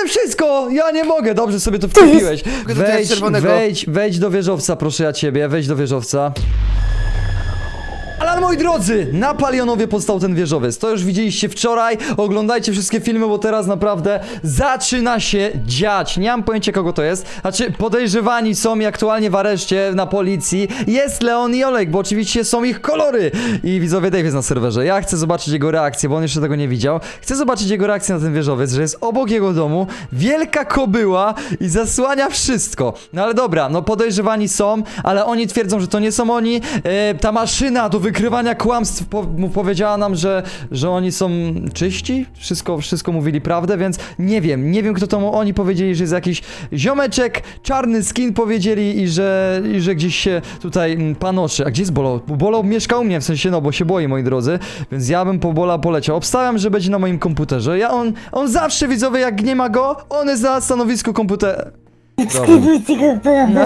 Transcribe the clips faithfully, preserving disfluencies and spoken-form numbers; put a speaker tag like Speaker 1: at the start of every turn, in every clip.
Speaker 1: widzę wszystko! Ja nie mogę, dobrze sobie to wkupiłeś.
Speaker 2: do tego
Speaker 1: Wejdź,
Speaker 2: czerwonego.
Speaker 1: wejdź, wejdź do wieżowca, proszę ja ciebie, wejdź do wieżowca. Ale moi drodzy, na Palionowie powstał ten wieżowiec. To już widzieliście wczoraj. Oglądajcie wszystkie filmy, bo teraz naprawdę zaczyna się dziać. Nie mam pojęcia, kogo to jest. Znaczy, podejrzewani są i aktualnie w areszcie na policji jest Leon i Olek, bo oczywiście są ich kolory. I widzowie, Dave jest na serwerze. Ja chcę zobaczyć jego reakcję, bo on jeszcze tego nie widział. Chcę zobaczyć jego reakcję na ten wieżowiec, że jest obok jego domu wielka kobyła i zasłania wszystko. No ale dobra, no podejrzewani są, ale oni twierdzą, że to nie są oni. E, ta maszyna do wykrywania kłamstw po, mu powiedziała nam, że, że oni są czyści. Wszystko, wszystko mówili prawdę, więc nie wiem, nie wiem kto to mu, oni powiedzieli, że jest jakiś ziomeczek, czarny skin powiedzieli i że, i że gdzieś się tutaj mm, panoszy. A gdzie jest Bolo? Bolo mieszka u mnie, w sensie no, bo się boi, moi drodzy, więc ja bym po Bola poleciał. Obstawiam, że będzie na moim komputerze. Ja on, on zawsze, widzowie, jak nie ma go, on jest na stanowisku komputera.
Speaker 3: Skryjcie go, no.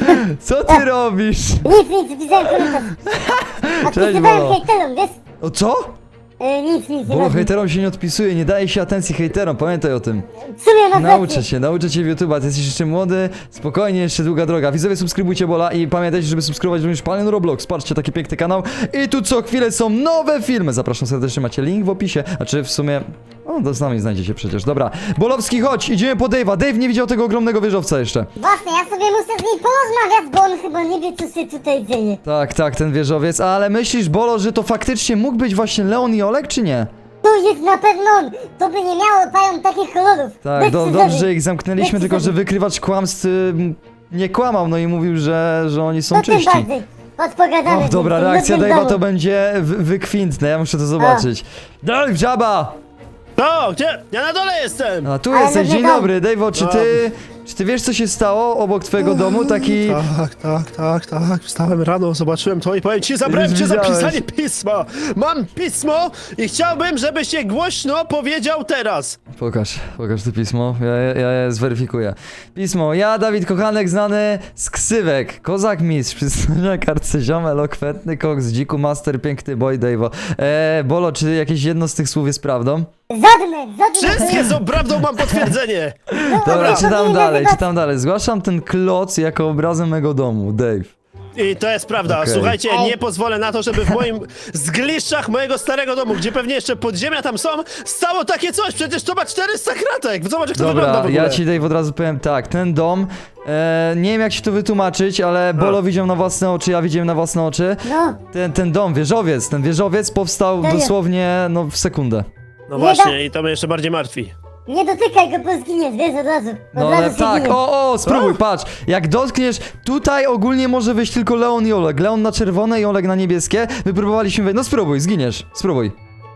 Speaker 1: Co ty robisz?
Speaker 3: Nic, nic, pisałem komentarz. Odpisywałem
Speaker 1: Bolo.
Speaker 3: hejterom, wiesz?
Speaker 1: O co?
Speaker 3: E, nic, nic, nie
Speaker 1: Bolo,
Speaker 3: ważne.
Speaker 1: hejterom się nie odpisuje, nie daje się atencji hejterom, pamiętaj o tym.
Speaker 3: W sumie masz
Speaker 1: Nauczę
Speaker 3: rację.
Speaker 1: cię, nauczę cię YouTube'a, ty jesteś jeszcze młody, spokojnie, jeszcze długa droga. Widzowie, subskrybujcie Bola i pamiętajcie, żeby subskrybować również Palion Roblox. Patrzcie, taki piękny kanał. I tu co chwilę są nowe filmy. Zapraszam serdecznie, macie link w opisie. A czy w sumie... O, to z nami znajdziecie przecież. Dobra, Bolowski, chodź, idziemy po Dave'a. Dave nie widział tego ogromnego wieżowca jeszcze.
Speaker 3: Właśnie, ja sobie muszę z nim porozmawiać, bo on chyba nie wie, co się tutaj dzieje.
Speaker 1: Tak, tak, ten wieżowiec, ale myślisz, Bolo, że to faktycznie mógł być właśnie Leon i Olek, czy nie?
Speaker 3: To jest na pewno on. To by nie miało pają takich kolorów.
Speaker 1: Tak,
Speaker 3: Bez
Speaker 1: do,
Speaker 3: przesady.
Speaker 1: dobrze, że ich zamknęliśmy,
Speaker 3: Bez
Speaker 1: tylko że
Speaker 3: przesady.
Speaker 1: wykrywacz kłamstw y, nie kłamał, no i mówił, że, że oni są
Speaker 3: To tym
Speaker 1: czyści.
Speaker 3: bardziej. Chodź pogadamy.
Speaker 1: O, dobra,
Speaker 3: z tym
Speaker 1: reakcja
Speaker 3: nudnym
Speaker 1: Dave'a
Speaker 3: domu.
Speaker 1: to będzie wy wykwintne, ja muszę to zobaczyć. Dave, żaba!
Speaker 4: No, gdzie? Ja na dole jestem!
Speaker 1: A tu
Speaker 3: Ale
Speaker 1: jesteś,
Speaker 3: nudny
Speaker 1: dzień
Speaker 3: dom.
Speaker 1: dobry, Dave'o, czy ty... Czy ty wiesz, co się stało obok twojego domu? Taki...
Speaker 4: Tak, tak, tak, tak. Wstałem rano, zobaczyłem to i powiem ci, zabrałem cię za
Speaker 1: Widziałeś.
Speaker 4: pisanie pisma! Mam pismo i chciałbym, żebyś się głośno powiedział teraz!
Speaker 1: Pokaż, pokaż to pismo, ja, ja, ja je zweryfikuję. Pismo, ja, Dawid Kochanek, znany z ksywek, kozak mistrz, przysłania kartce ziom, elokwentny koks, dziku master, piękny boy, Dave'o. Eee, Bolo, czy jakieś jedno z tych słów jest prawdą?
Speaker 3: Żadne, żadne.
Speaker 4: Wszystkie są prawdą, mam potwierdzenie!
Speaker 1: Dobra,
Speaker 3: to
Speaker 1: czytam
Speaker 3: powinien
Speaker 1: dalej,
Speaker 3: nazywać-
Speaker 1: czytam dalej. Zgłaszam ten kloc jako obrazem mego domu, Dave.
Speaker 4: I to jest prawda.
Speaker 1: Okej.
Speaker 4: Słuchajcie,
Speaker 3: Ej.
Speaker 4: nie pozwolę na to, żeby w moim zgliszczach mojego starego domu, gdzie pewnie jeszcze podziemia tam są, stało takie coś. Przecież to ma czterysta kratek. Zobacz, jak to wygląda w
Speaker 1: Dobra,
Speaker 4: ogóle.
Speaker 1: ja ci Dave od razu powiem tak, ten dom, e, nie wiem jak się to wytłumaczyć, ale Bolo widział na własne oczy, ja widziałem na własne oczy.
Speaker 3: No,
Speaker 1: Ten, ten dom, wieżowiec, ten wieżowiec powstał
Speaker 3: Serio?
Speaker 1: dosłownie, no w sekundę.
Speaker 4: No właśnie, i to mnie jeszcze bardziej martwi.
Speaker 3: nie dotykaj go, bo zginiesz, wiesz, od razu. Od
Speaker 1: No
Speaker 3: razu
Speaker 1: ale
Speaker 3: się
Speaker 1: tak,
Speaker 3: ginie.
Speaker 1: o, o, spróbuj,
Speaker 4: Co?
Speaker 1: patrz, jak dotkniesz, tutaj ogólnie może wyjść tylko Leon i Oleg, Leon na czerwone i Oleg na niebieskie, wypróbowaliśmy wejść, no spróbuj, zginiesz, spróbuj.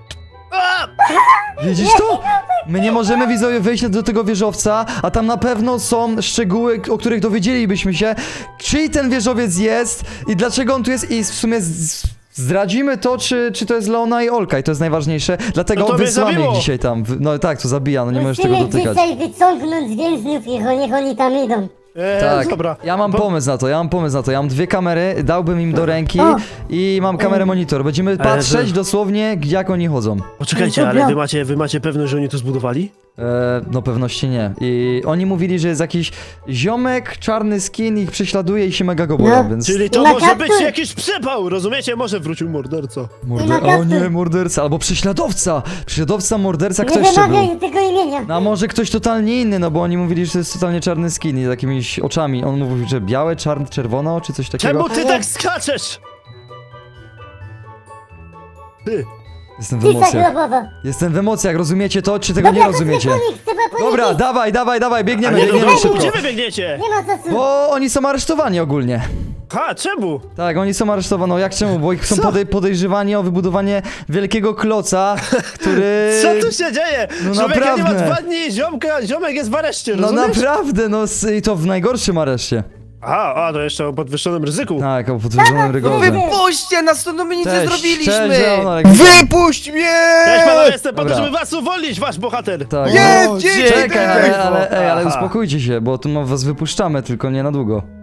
Speaker 4: A!
Speaker 1: Widzisz to? My nie możemy, widzowie, wejść do tego wieżowca, a tam na pewno są szczegóły, o których dowiedzielibyśmy się, czyj ten wieżowiec jest i dlaczego on tu jest i w sumie z- zdradzimy to, czy, czy to jest Leona i Olka i to jest najważniejsze, dlatego
Speaker 4: No to mnie
Speaker 1: wysłamy ich
Speaker 4: zabiło.
Speaker 1: dzisiaj tam. W- No tak, to zabija, no nie możesz tego
Speaker 3: Musimy
Speaker 1: dotykać.
Speaker 3: dzisiaj wyciągnąć więźniów i niech oni tam idą.
Speaker 4: E,
Speaker 1: Tak,
Speaker 4: dobra.
Speaker 1: ja mam
Speaker 4: Bo-
Speaker 1: pomysł na to, ja mam pomysł na to, ja mam dwie kamery, dałbym im do ręki
Speaker 3: O.
Speaker 1: i mam kamerę monitor, będziemy patrzeć
Speaker 4: że-
Speaker 1: dosłownie jak oni chodzą.
Speaker 4: Poczekajcie, ale wy macie, wy macie pewność, że oni to zbudowali?
Speaker 1: E, no pewności nie. I oni mówili, że jest jakiś ziomek, czarny skin ich prześladuje i się mega go boją,
Speaker 3: No.
Speaker 1: więc...
Speaker 4: Czyli to
Speaker 3: Na
Speaker 4: może
Speaker 3: kaptur.
Speaker 4: być jakiś przypał, rozumiecie? Może wrócił morderca.
Speaker 1: Morder...
Speaker 3: na
Speaker 1: O
Speaker 3: kaptur.
Speaker 1: nie, morderca, albo prześladowca! Prześladowca, morderca,
Speaker 3: Nie
Speaker 1: kto jeszcze był?
Speaker 3: wymawiaj tego imienia.
Speaker 1: No a może ktoś totalnie inny, no bo oni mówili, że to jest totalnie czarny skin i z jakimiś oczami. On mówił, że białe, czarne, czerwone oczy, coś takiego.
Speaker 4: Czemu ty
Speaker 3: Ale-
Speaker 4: tak skaczesz? Ty.
Speaker 1: Jestem w
Speaker 3: Pisa
Speaker 1: emocjach.
Speaker 3: grobowa.
Speaker 1: Jestem w emocjach, rozumiecie to, czy tego
Speaker 3: Dobra,
Speaker 1: nie rozumiecie?
Speaker 3: To chcę po nich, chcę po nich
Speaker 1: Dobra,
Speaker 3: iść.
Speaker 1: dawaj, dawaj, dawaj,
Speaker 4: A
Speaker 1: biegniemy,
Speaker 4: nie do
Speaker 1: biegniemy
Speaker 4: domu,
Speaker 1: szybko.
Speaker 4: gdzie wy biegniecie?
Speaker 3: Nie ma czasu.
Speaker 1: Bo oni są aresztowani ogólnie.
Speaker 4: Ha, czemu?
Speaker 1: Tak, oni są aresztowani. No jak czemu? Bo ich są
Speaker 4: Co?
Speaker 1: podej podejrzewani o wybudowanie wielkiego kloca, który...
Speaker 4: Co tu się dzieje?
Speaker 1: no
Speaker 4: Człowieka nie ma
Speaker 1: naprawdę.
Speaker 4: dwa dni, ziomka, ziomek jest w areszcie,
Speaker 1: No
Speaker 4: rozumiesz?
Speaker 1: naprawdę, no s- i to w najgorszym areszcie.
Speaker 4: Aha, a to jeszcze o podwyższonym ryzyku.
Speaker 1: Tak, o podwyższonym rygorze.
Speaker 2: Wypuśćcie nas, to my nic nie
Speaker 1: Cześć,
Speaker 2: zrobiliśmy!
Speaker 1: cześć, Leonarek.
Speaker 2: Wypuść mnie!
Speaker 4: Cześć panowie, jestem po to,
Speaker 1: Dobra.
Speaker 4: żeby was uwolnić, wasz bohater.
Speaker 1: Tak,
Speaker 2: Nie,
Speaker 1: no,
Speaker 2: dzięki,
Speaker 1: czekaj, ale, ale, ej, ale
Speaker 4: Aha.
Speaker 1: uspokójcie się, bo tu no, was wypuszczamy, tylko nie na długo.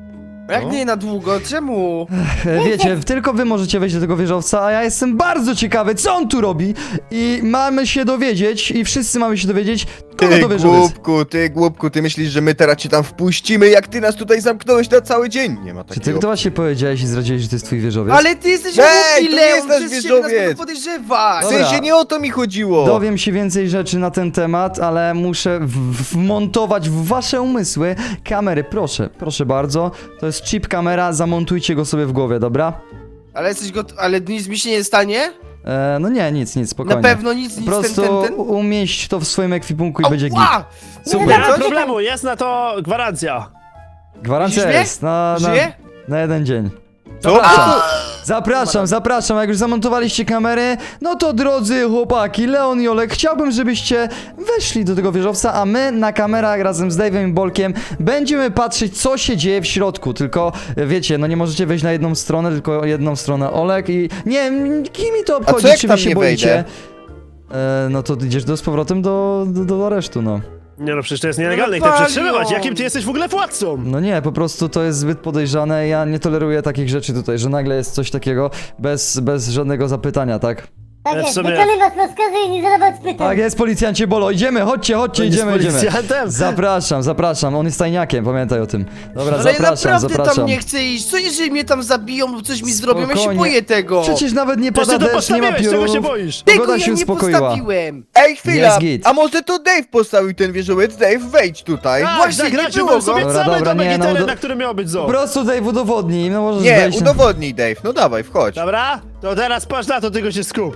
Speaker 2: Jak
Speaker 4: No.
Speaker 2: nie na długo? Czemu?
Speaker 1: E, Wiecie, tylko wy możecie wejść do tego wieżowca, a ja jestem bardzo ciekawy, co on tu robi. I mamy się dowiedzieć, i wszyscy mamy się dowiedzieć, kogo
Speaker 2: Ty
Speaker 1: to wieżowiec.
Speaker 2: głupku, ty głupku, ty myślisz, że my teraz cię tam wpuścimy, jak ty nas tutaj zamknąłeś na cały dzień? Nie ma
Speaker 1: Czy ty
Speaker 2: takiego.
Speaker 1: to właśnie powiedziałeś i zdradziłeś, że to jest twój wieżowiec?
Speaker 2: Ale ty jesteś
Speaker 3: Ej,
Speaker 2: głupi,
Speaker 3: to nie
Speaker 2: Leon,
Speaker 3: jest nasz
Speaker 2: przecież się nas
Speaker 3: wieżowiec.
Speaker 2: będą podejrzewać.
Speaker 1: Dobra.
Speaker 2: W sensie nie o to mi chodziło.
Speaker 1: Dowiem się więcej rzeczy na ten temat, ale muszę w- wmontować w wasze umysły kamery. Proszę, proszę bardzo. To jest chip kamera, zamontujcie go sobie w głowie, dobra?
Speaker 2: Ale jesteś gotowy, ale nic mi się nie stanie?
Speaker 1: E, no nie, nic, nic, spokojnie.
Speaker 2: Na pewno nic, nic,
Speaker 1: Po prostu
Speaker 2: ten, ten, ten.
Speaker 1: umieść to w swoim ekwipunku i będzie git.
Speaker 2: Ała!
Speaker 1: Super.
Speaker 4: Nie ma
Speaker 2: Coś?
Speaker 4: problemu, jest na to gwarancja.
Speaker 1: Gwarancja
Speaker 2: Widzisz mnie?
Speaker 1: jest na, na,
Speaker 2: Żyje?
Speaker 1: na jeden dzień.
Speaker 2: Co?
Speaker 1: Zapraszam.
Speaker 2: A!
Speaker 1: Zapraszam, zapraszam. Jak już zamontowaliście kamery, no to drodzy chłopaki, Leon i Olek, chciałbym, żebyście weszli do tego wieżowca, a my na kamerach razem z Dave'em i Bolkiem będziemy patrzeć, co się dzieje w środku. Tylko, wiecie, no nie możecie wejść na jedną stronę, tylko jedną stronę Olek i... Nie, kim mi to obchodzi,
Speaker 2: co jak
Speaker 1: czy wy
Speaker 2: tam
Speaker 1: się
Speaker 2: nie
Speaker 1: boicie? E, no to idziesz do, z powrotem do, do, do aresztu, no.
Speaker 4: Nie no, przecież to jest nielegalne i
Speaker 2: No
Speaker 4: chcę
Speaker 2: palion.
Speaker 4: przetrzymywać. Jakim ty jesteś w ogóle władcą?
Speaker 1: No nie, po prostu to jest zbyt podejrzane. Ja nie toleruję takich rzeczy tutaj, że nagle jest coś takiego bez, bez żadnego zapytania, tak?
Speaker 3: Tak
Speaker 4: Ale w
Speaker 3: jest,
Speaker 4: sumie-
Speaker 3: wykonywać rozkazy i nie zadawać pytań.
Speaker 1: Tak jest, policjancie Bolo, idziemy, chodźcie, chodźcie,
Speaker 4: On jest
Speaker 1: idziemy, idziemy.
Speaker 4: policjantem?
Speaker 1: Zapraszam, zapraszam, on jest tajniakiem, pamiętaj o tym. Dobra,
Speaker 2: Ale ja
Speaker 1: zapraszam,
Speaker 2: naprawdę
Speaker 1: zapraszam.
Speaker 2: tam nie chcę iść. Co jeżeli mnie tam zabiją lub coś mi zrobią? Ja się
Speaker 1: Spokojnie.
Speaker 2: boję tego.
Speaker 1: Przecież nawet nie
Speaker 4: Przecież
Speaker 1: pada
Speaker 4: ty to
Speaker 1: deszcz, nie ma
Speaker 4: postawiłeś, czego się
Speaker 1: piorunów.
Speaker 4: boisz?
Speaker 2: Tego
Speaker 1: Pogoda
Speaker 2: ja
Speaker 1: się
Speaker 2: nie
Speaker 1: uspokoiła.
Speaker 2: postawiłem.
Speaker 5: Ej, chwila!
Speaker 1: Jest git.
Speaker 5: A może to Dave postawił ten wieżowiec? Dave, wejdź tutaj.
Speaker 4: Tak,
Speaker 2: Właśnie, nie
Speaker 4: zagrajcie
Speaker 2: było
Speaker 4: sobie
Speaker 1: go.
Speaker 4: cały
Speaker 1: Dobra, dobra,
Speaker 4: domek
Speaker 1: nie,
Speaker 4: i
Speaker 1: no,
Speaker 4: teren,
Speaker 1: do-
Speaker 4: na którym miał być
Speaker 1: Po
Speaker 4: zoo.
Speaker 1: prostu Dave udowodnij, no możesz
Speaker 5: Nie,
Speaker 1: wejść. na-
Speaker 5: udowodnij Dave. No dawaj, wchodź.
Speaker 4: Dobra? To teraz patrz na to, tylko się skup.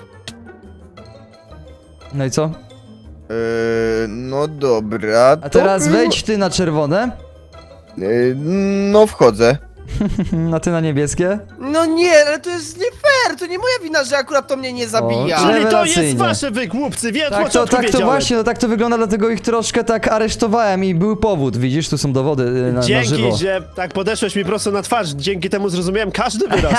Speaker 1: No i co?
Speaker 5: Eee, no dobra.
Speaker 1: A teraz
Speaker 5: to...
Speaker 1: wejdź ty na czerwone,
Speaker 5: Eee, no wchodzę.
Speaker 1: a ty na niebieskie.
Speaker 2: No nie, ale to jest nie fair. To nie moja wina, że akurat to mnie nie zabija.
Speaker 1: O,
Speaker 4: Czyli to jest
Speaker 1: Rewelacyjnie.
Speaker 4: wasze wy, głupcy, wie od
Speaker 1: Tak to,
Speaker 4: początku
Speaker 1: tak to
Speaker 4: wiedziałem.
Speaker 1: właśnie, no tak to wygląda, dlatego ich troszkę tak aresztowałem i był powód, widzisz, tu są dowody y, na, na żywo.
Speaker 4: Dzięki, że tak podeszłeś mi prosto na twarz. Dzięki temu zrozumiałem każdy wyraz.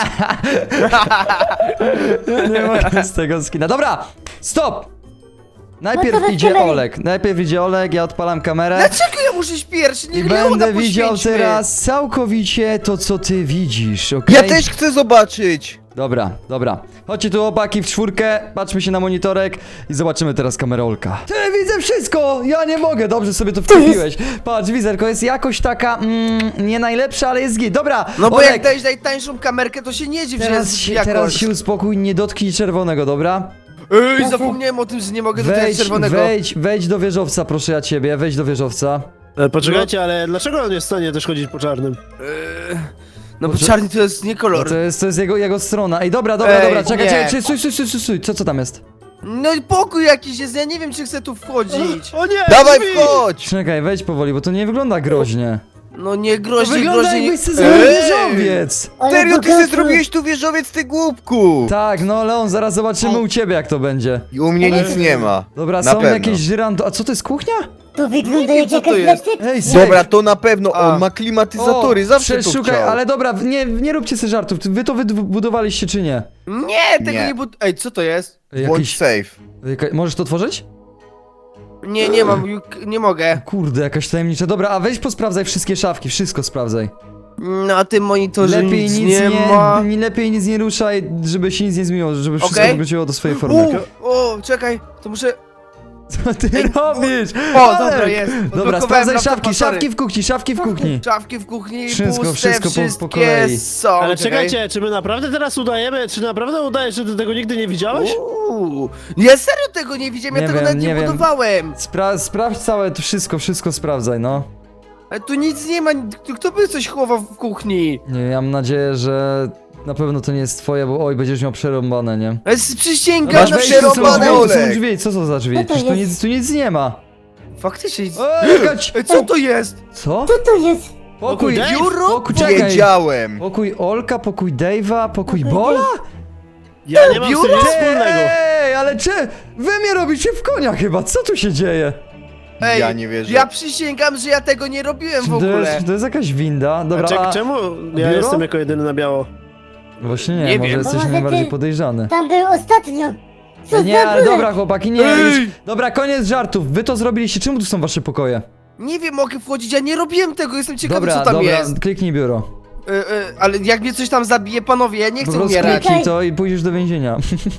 Speaker 1: Nie mogę z tego skina. Dobra, stop! Najpierw
Speaker 3: No to
Speaker 1: idzie
Speaker 3: zaczynaj.
Speaker 1: Olek, najpierw idzie Olek, ja odpalam kamerę
Speaker 2: Dlaczego ja muszę iść pierwszy?
Speaker 1: i
Speaker 2: Niech Leona
Speaker 1: będę widział
Speaker 2: poświęćmy.
Speaker 1: teraz całkowicie to, co ty widzisz, okej?
Speaker 5: Ja też chcę zobaczyć.
Speaker 1: Dobra, dobra. Chodźcie tu chłopaki w czwórkę, patrzmy się na monitorek i zobaczymy teraz kamerę Olka. Ty, widzę wszystko! Ja nie mogę, dobrze sobie to wkropiłeś. Patrz, widzę, tylko jest jakoś taka, mm, nie najlepsza, ale jest git. Dobra,
Speaker 2: No bo
Speaker 1: Olek,
Speaker 2: jak dajesz najtańszą kamerkę, to się nie dziw, że
Speaker 1: teraz
Speaker 2: jest
Speaker 1: się,
Speaker 2: jakoś.
Speaker 1: teraz się uspokój, nie dotknij czerwonego, dobra?
Speaker 2: Ej, zapomniałem o tym, że nie mogę dotykać
Speaker 1: Wejdź,
Speaker 2: czerwonego.
Speaker 1: wejdź, wejdź do wieżowca, proszę ja ciebie, wejdź do wieżowca.
Speaker 4: E, Poczekajcie, ale dlaczego on jest w stanie też chodzić po czarnym?
Speaker 2: Eee, no bo czarny to jest nie
Speaker 1: No
Speaker 2: kolor.
Speaker 1: to jest, to jest jego, jego strona. Ej, dobra, dobra,
Speaker 2: Ej,
Speaker 1: dobra, czekaj,
Speaker 2: nie.
Speaker 1: czekaj, czekaj, stój, stój, stój, stój, stój, co, co tam jest?
Speaker 2: No i pokój jakiś jest, ja nie wiem, czy chcę tu wchodzić.
Speaker 4: O nie!
Speaker 5: Dawaj,
Speaker 4: drzwi!
Speaker 5: wchodź!
Speaker 1: Czekaj, wejdź powoli, bo to nie wygląda groźnie.
Speaker 2: No nie
Speaker 1: To
Speaker 2: groźnie,
Speaker 1: wygląda
Speaker 2: groźnie.
Speaker 1: jakbyś sobie zrobił
Speaker 2: Ej!
Speaker 1: wieżowiec!
Speaker 3: Ale
Speaker 5: Serio, ty
Speaker 3: bogaty.
Speaker 5: sobie zrobiłeś tu wieżowiec, ty głupku!
Speaker 1: Tak, no Leon, zaraz zobaczymy u ciebie jak to będzie.
Speaker 5: I u mnie nic nie ma.
Speaker 1: Dobra,
Speaker 5: Na
Speaker 1: są
Speaker 5: pewno.
Speaker 1: jakieś żyranty. A co to jest kuchnia?
Speaker 3: To wygląda
Speaker 2: Nie wiem,
Speaker 3: jak
Speaker 2: co to
Speaker 3: jakaś
Speaker 2: jest.
Speaker 3: lektyka.
Speaker 1: Ej,
Speaker 5: Dobra, to na pewno
Speaker 2: A.
Speaker 5: on ma klimatyzatory, zawsze to
Speaker 1: przeszukaj,
Speaker 5: chciał.
Speaker 1: ale dobra, nie, nie róbcie sobie żartów. Wy to wybudowaliście czy nie?
Speaker 2: Nie, tego
Speaker 5: Nie.
Speaker 2: nie bud... Ej, co to jest?
Speaker 1: Jakiś,
Speaker 5: Bądź safe.
Speaker 1: jaka, możesz to otworzyć?
Speaker 2: Nie, nie mam, juk- nie mogę.
Speaker 1: Kurde, jakaś tajemnicza. Dobra, a weź posprawdzaj wszystkie szafki, wszystko sprawdzaj.
Speaker 2: Na tym monitorze
Speaker 1: Lepiej
Speaker 2: nic,
Speaker 1: nic
Speaker 2: nie,
Speaker 1: nie,
Speaker 2: ma.
Speaker 1: nie, lepiej nic nie ruszaj, żeby się nic nie zmieniło, żeby wszystko
Speaker 2: Okej.
Speaker 1: wróciło do swojej formy.
Speaker 2: U, o, czekaj, to muszę...
Speaker 1: Co ty robisz?
Speaker 2: O,
Speaker 1: Olek!
Speaker 2: dobra, jest.
Speaker 1: Dobra,
Speaker 2: Odblokowałem
Speaker 1: sprawdzaj
Speaker 2: laptopa,
Speaker 1: szafki,
Speaker 2: sorry.
Speaker 1: szafki w kuchni, szafki w kuchni.
Speaker 2: Szafki w kuchni,
Speaker 1: Wszystko,
Speaker 2: puste,
Speaker 1: wszystko po- po
Speaker 2: wszystkie
Speaker 1: kolei.
Speaker 2: są.
Speaker 4: Ale
Speaker 2: czekaj.
Speaker 4: czekajcie, czy my naprawdę teraz udajemy, czy naprawdę udajesz, że ty tego nigdy nie widziałeś?
Speaker 2: Uuu, ja serio tego nie widziałem,
Speaker 1: Nie
Speaker 2: ja tego
Speaker 1: wiem,
Speaker 2: nawet nie,
Speaker 1: nie wiem.
Speaker 2: budowałem.
Speaker 1: Spra sprawdź całe to wszystko, wszystko sprawdzaj, no.
Speaker 2: Ale tu nic nie ma, kto by coś chował w kuchni?
Speaker 1: Nie, ja mam nadzieję, że na pewno to nie jest twoje, bo oj, będziesz miał przerąbane, nie?
Speaker 2: Ale s- przysięgam
Speaker 5: Masz
Speaker 2: na
Speaker 1: wejdź, tu są
Speaker 5: przerąbane,
Speaker 1: drzwi, tu są
Speaker 5: Olek.
Speaker 1: drzwi, co to za drzwi?
Speaker 3: Co to
Speaker 1: Przecież tu
Speaker 3: jest?
Speaker 1: nic, tu nic nie ma.
Speaker 2: Faktycznie.
Speaker 1: O, jakaś...
Speaker 2: Ej, co to jest?
Speaker 1: Co?
Speaker 3: Co to jest?
Speaker 1: Pokój,
Speaker 4: Dave?
Speaker 2: Biuro?
Speaker 1: pokój, czekaj.
Speaker 5: Wiedziałem.
Speaker 1: Pokój Olka, pokój Dave'a, pokój
Speaker 3: Pokój
Speaker 1: Bola?
Speaker 4: Ja nie mam z tym
Speaker 2: biuro?
Speaker 4: nic wspólnego.
Speaker 1: Ej, ale czy wy mnie robicie w konia chyba, co tu się dzieje?
Speaker 2: Ej,
Speaker 5: Ja nie wierzę.
Speaker 2: Ja przysięgam, że ja tego nie robiłem w
Speaker 1: To
Speaker 2: ogóle.
Speaker 1: jest, to jest jakaś winda, dobra,
Speaker 4: A czek,
Speaker 1: a...
Speaker 4: czemu ja
Speaker 1: biuro?
Speaker 4: jestem jako jedyny na biało?
Speaker 1: Właśnie nie,
Speaker 2: Nie
Speaker 1: może
Speaker 2: wiem.
Speaker 1: jesteś
Speaker 3: Może ty-
Speaker 1: najbardziej podejrzany.
Speaker 3: Tam był ostatnio. Co
Speaker 1: Nie,
Speaker 3: za
Speaker 1: ale
Speaker 3: byle?
Speaker 1: dobra chłopaki, nie,
Speaker 2: Ej!
Speaker 1: już... Dobra, koniec żartów, wy to zrobiliście, czemu tu są wasze pokoje?
Speaker 2: Nie wiem, mogę wchodzić, ja nie robiłem tego, jestem ciekawy,
Speaker 1: Dobra,
Speaker 2: co tam
Speaker 1: dobra,
Speaker 2: jest.
Speaker 1: kliknij biuro.
Speaker 6: Y, y, ale jak mnie coś tam zabije, panowie, ja nie
Speaker 1: Po
Speaker 6: chcę
Speaker 1: prostu
Speaker 6: umierać.
Speaker 1: kliknij to i pójdziesz do więzienia.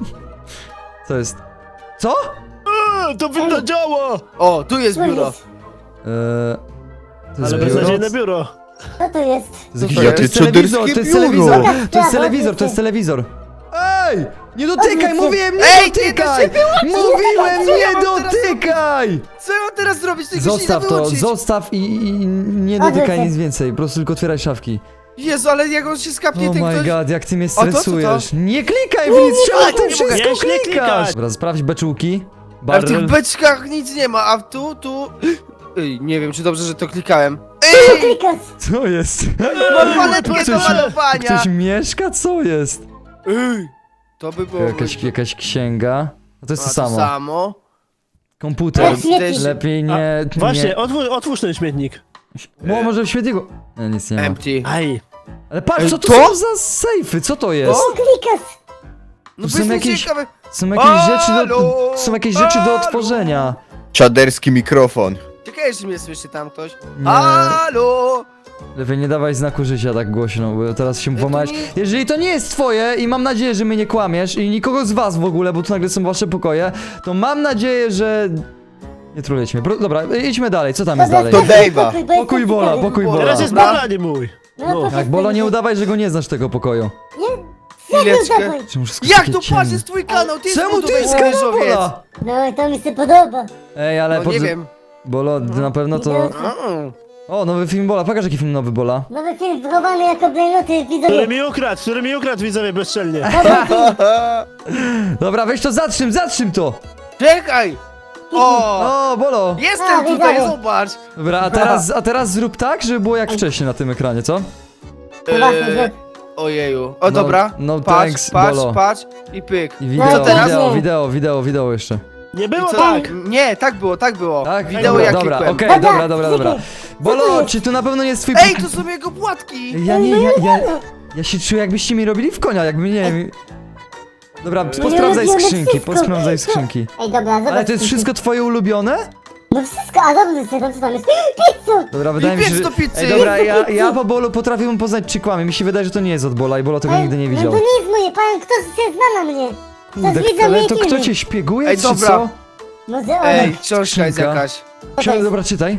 Speaker 1: Co jest? Co?
Speaker 4: Eee, to winno działa!
Speaker 6: O, tu jest
Speaker 3: Co
Speaker 6: biuro.
Speaker 3: jest?
Speaker 1: Eee, to jest
Speaker 4: Ale
Speaker 1: biuro?
Speaker 4: beznadziejne biuro.
Speaker 3: Co to jest?
Speaker 1: To jest,
Speaker 6: Co
Speaker 1: jakiś-
Speaker 6: to
Speaker 1: to jest
Speaker 2: jest?
Speaker 1: telewizor, to jest
Speaker 2: Czaderskie
Speaker 1: telewizor,
Speaker 2: biuro.
Speaker 1: to jest telewizor, to jest telewizor. Ej! Nie dotykaj,
Speaker 3: Odwróć się.
Speaker 1: mówiłem, nie
Speaker 6: Ej, nie
Speaker 1: dotykaj! Mówiłem,
Speaker 6: Co ja
Speaker 1: nie
Speaker 6: mam teraz
Speaker 1: dotykaj!
Speaker 6: Co ja mam teraz zrobić? Tego się nie
Speaker 1: Zostaw
Speaker 6: da
Speaker 1: to,
Speaker 6: wyłączyć.
Speaker 1: zostaw i, i i nie
Speaker 3: Odwróć
Speaker 1: dotykaj
Speaker 3: się.
Speaker 1: nic więcej, po prostu tylko otwieraj szafki.
Speaker 6: Jezu, ale jak on się skapnie,
Speaker 1: Oh
Speaker 6: ten
Speaker 1: my
Speaker 6: ktoś...
Speaker 1: god, jak ty mnie
Speaker 6: to co to?
Speaker 1: stresujesz. Nie klikaj w nic, czemu ty
Speaker 4: nie
Speaker 1: wszystko
Speaker 4: mogę. Nie
Speaker 1: klikasz?
Speaker 4: klikać.
Speaker 1: Dobra, sprawdź beczułki.
Speaker 6: Ale w tych
Speaker 1: Barrel.
Speaker 6: beczkach nic nie ma, a tu, tu... Ej, nie wiem, czy dobrze, że to klikałem.
Speaker 3: Co
Speaker 6: Ej,
Speaker 3: klikasz?
Speaker 1: Co jest?
Speaker 6: mam paletkę do
Speaker 1: Ktoś-
Speaker 6: malowania.
Speaker 1: Ktoś mieszka? Co jest?
Speaker 6: Ej, to by było...
Speaker 1: Jakaś, jakaś księga. A to jest to
Speaker 6: A,
Speaker 1: samo.
Speaker 6: samo.
Speaker 1: Komputer.
Speaker 3: Ale śmieci.
Speaker 1: Lepiej nie...
Speaker 4: Właśnie,
Speaker 1: nie.
Speaker 4: otwórz, otwórz ten śmietnik.
Speaker 1: Bo może w świetniku... Nie, nic nie ma.
Speaker 6: Empty.
Speaker 4: Aj.
Speaker 1: Ale patrz,
Speaker 6: Ej,
Speaker 1: co to
Speaker 6: to?
Speaker 1: są za sejfy? Co to jest?
Speaker 3: Co klikasz?
Speaker 6: No
Speaker 1: To
Speaker 6: to
Speaker 1: są
Speaker 6: jest
Speaker 1: jakieś-
Speaker 6: ciekawe.
Speaker 1: Są jakieś rzeczy do...
Speaker 6: Halo?
Speaker 1: Są jakieś rzeczy do
Speaker 6: Halo?
Speaker 1: otworzenia.
Speaker 2: Czaderski mikrofon.
Speaker 6: Czekaj, że mnie słyszy tam ktoś.
Speaker 1: Nie.
Speaker 6: Halo!
Speaker 1: Lepiej nie dawaj znaku życia tak głośno, bo teraz się
Speaker 6: to
Speaker 1: włamać.
Speaker 6: nie-
Speaker 1: Jeżeli to nie jest twoje i mam nadzieję, że mnie nie kłamiesz i nikogo z was w ogóle, bo tu nagle są wasze pokoje, to mam nadzieję, że... Nie trulejcie mnie. Pro- Dobra, idźmy dalej, co tam jest dalej?
Speaker 2: To
Speaker 3: sprawdź
Speaker 2: Dave'a.
Speaker 3: pokój, bo jestem
Speaker 1: Pokój Bola,
Speaker 3: ciekawy.
Speaker 1: pokój
Speaker 6: Bola.
Speaker 1: Bola.
Speaker 4: Teraz jest
Speaker 6: Dobra.
Speaker 4: Bola, nie mój.
Speaker 3: No,
Speaker 4: No.
Speaker 3: pokaż
Speaker 1: Tak, Bolo, nie
Speaker 3: ten-
Speaker 1: udawaj, że go nie znasz tego pokoju.
Speaker 6: Chwileczkę.
Speaker 3: dawaj.
Speaker 1: Czemu wszystko
Speaker 6: Jak
Speaker 1: takie
Speaker 6: to
Speaker 1: ciemne?
Speaker 6: patrz, jest twój kanał, ty
Speaker 1: Czemu ty jest
Speaker 6: zbudowałeś
Speaker 1: kanał
Speaker 6: wieżowiec.
Speaker 1: Bola?
Speaker 3: No, to mi się podoba.
Speaker 1: Ej, ale
Speaker 6: No
Speaker 1: pod...
Speaker 6: nie wiem.
Speaker 1: Bolo, na pewno to...
Speaker 6: Mm.
Speaker 1: O, nowy film Bola, pokaż jaki film nowy Bola.
Speaker 3: Nowy film wychowany jako blejnoty
Speaker 4: Który
Speaker 3: widzowie.
Speaker 4: mi ukradł, który mi ukradł, widzowie, bezczelnie.
Speaker 3: Dobry film.
Speaker 1: Dobra, weź to, zatrzym, zatrzym to!
Speaker 6: Czekaj! O!
Speaker 1: O, Bolo!
Speaker 3: A,
Speaker 6: Jestem tutaj,
Speaker 3: widziałem.
Speaker 6: zobacz!
Speaker 1: Dobra, a teraz, a teraz zrób tak, żeby było jak wcześniej na tym ekranie, co?
Speaker 3: To właśnie,
Speaker 6: Eee,
Speaker 3: że-
Speaker 6: Ojeju. O dobra,
Speaker 1: no
Speaker 6: patrz,
Speaker 1: thanks,
Speaker 6: patrz,
Speaker 1: Bolo.
Speaker 6: patrz i pyk.
Speaker 1: I
Speaker 3: No
Speaker 1: wideo,
Speaker 3: i teraz
Speaker 1: wideo,
Speaker 3: nie.
Speaker 1: wideo, wideo, wideo jeszcze.
Speaker 4: Nie
Speaker 6: I
Speaker 4: było
Speaker 6: co?
Speaker 4: tak.
Speaker 6: Nie, tak było, tak było.
Speaker 1: Tak?
Speaker 6: Wideo
Speaker 1: dobra,
Speaker 6: jak
Speaker 1: dobra, okej,
Speaker 6: klikłem.
Speaker 1: dobra, dobra, dobra.
Speaker 3: Co to
Speaker 1: Bolo,
Speaker 3: jest?
Speaker 1: czy to na pewno nie jest twój...
Speaker 6: Ej, to są jego płatki!
Speaker 1: Ja nie, ja, ja, ja się czuję jakbyście mi robili w konia, jakby nie wiem... Dobra, posprawdzaj
Speaker 3: robimy
Speaker 1: skrzynki,
Speaker 3: wszystko.
Speaker 1: posprawdzaj skrzynki.
Speaker 3: Ej, dobra, zobacz.
Speaker 1: Ale to jest wszystko twoje ulubione?
Speaker 3: No wszystko, a dobrze, co tam, co tam jest? Pizzu!
Speaker 1: Dobra, wydaje mi się,
Speaker 6: piec
Speaker 1: że...
Speaker 6: do pizzy.
Speaker 1: Ej, dobra,
Speaker 3: Piec do
Speaker 1: ja,
Speaker 3: pizzy.
Speaker 1: ja po Bolu potrafię mu poznać, czy kłamie. Mi się wydaje, że to nie jest od Bola i Bolo tego
Speaker 3: Ej,
Speaker 1: nigdy nie
Speaker 3: No
Speaker 1: widział.
Speaker 3: to nie jest moje, pan, kto się zna na mnie? To
Speaker 1: Kurde,
Speaker 3: jest widzą
Speaker 1: ale
Speaker 3: moje
Speaker 1: to
Speaker 3: filmy.
Speaker 1: kto cię szpieguje,
Speaker 6: Ej,
Speaker 1: czy
Speaker 6: dobra.
Speaker 1: co?
Speaker 3: Może ona.
Speaker 6: Ej, książka jest
Speaker 1: Skrzynka.
Speaker 6: jakaś.
Speaker 1: Ksiądz, dobra, czytaj.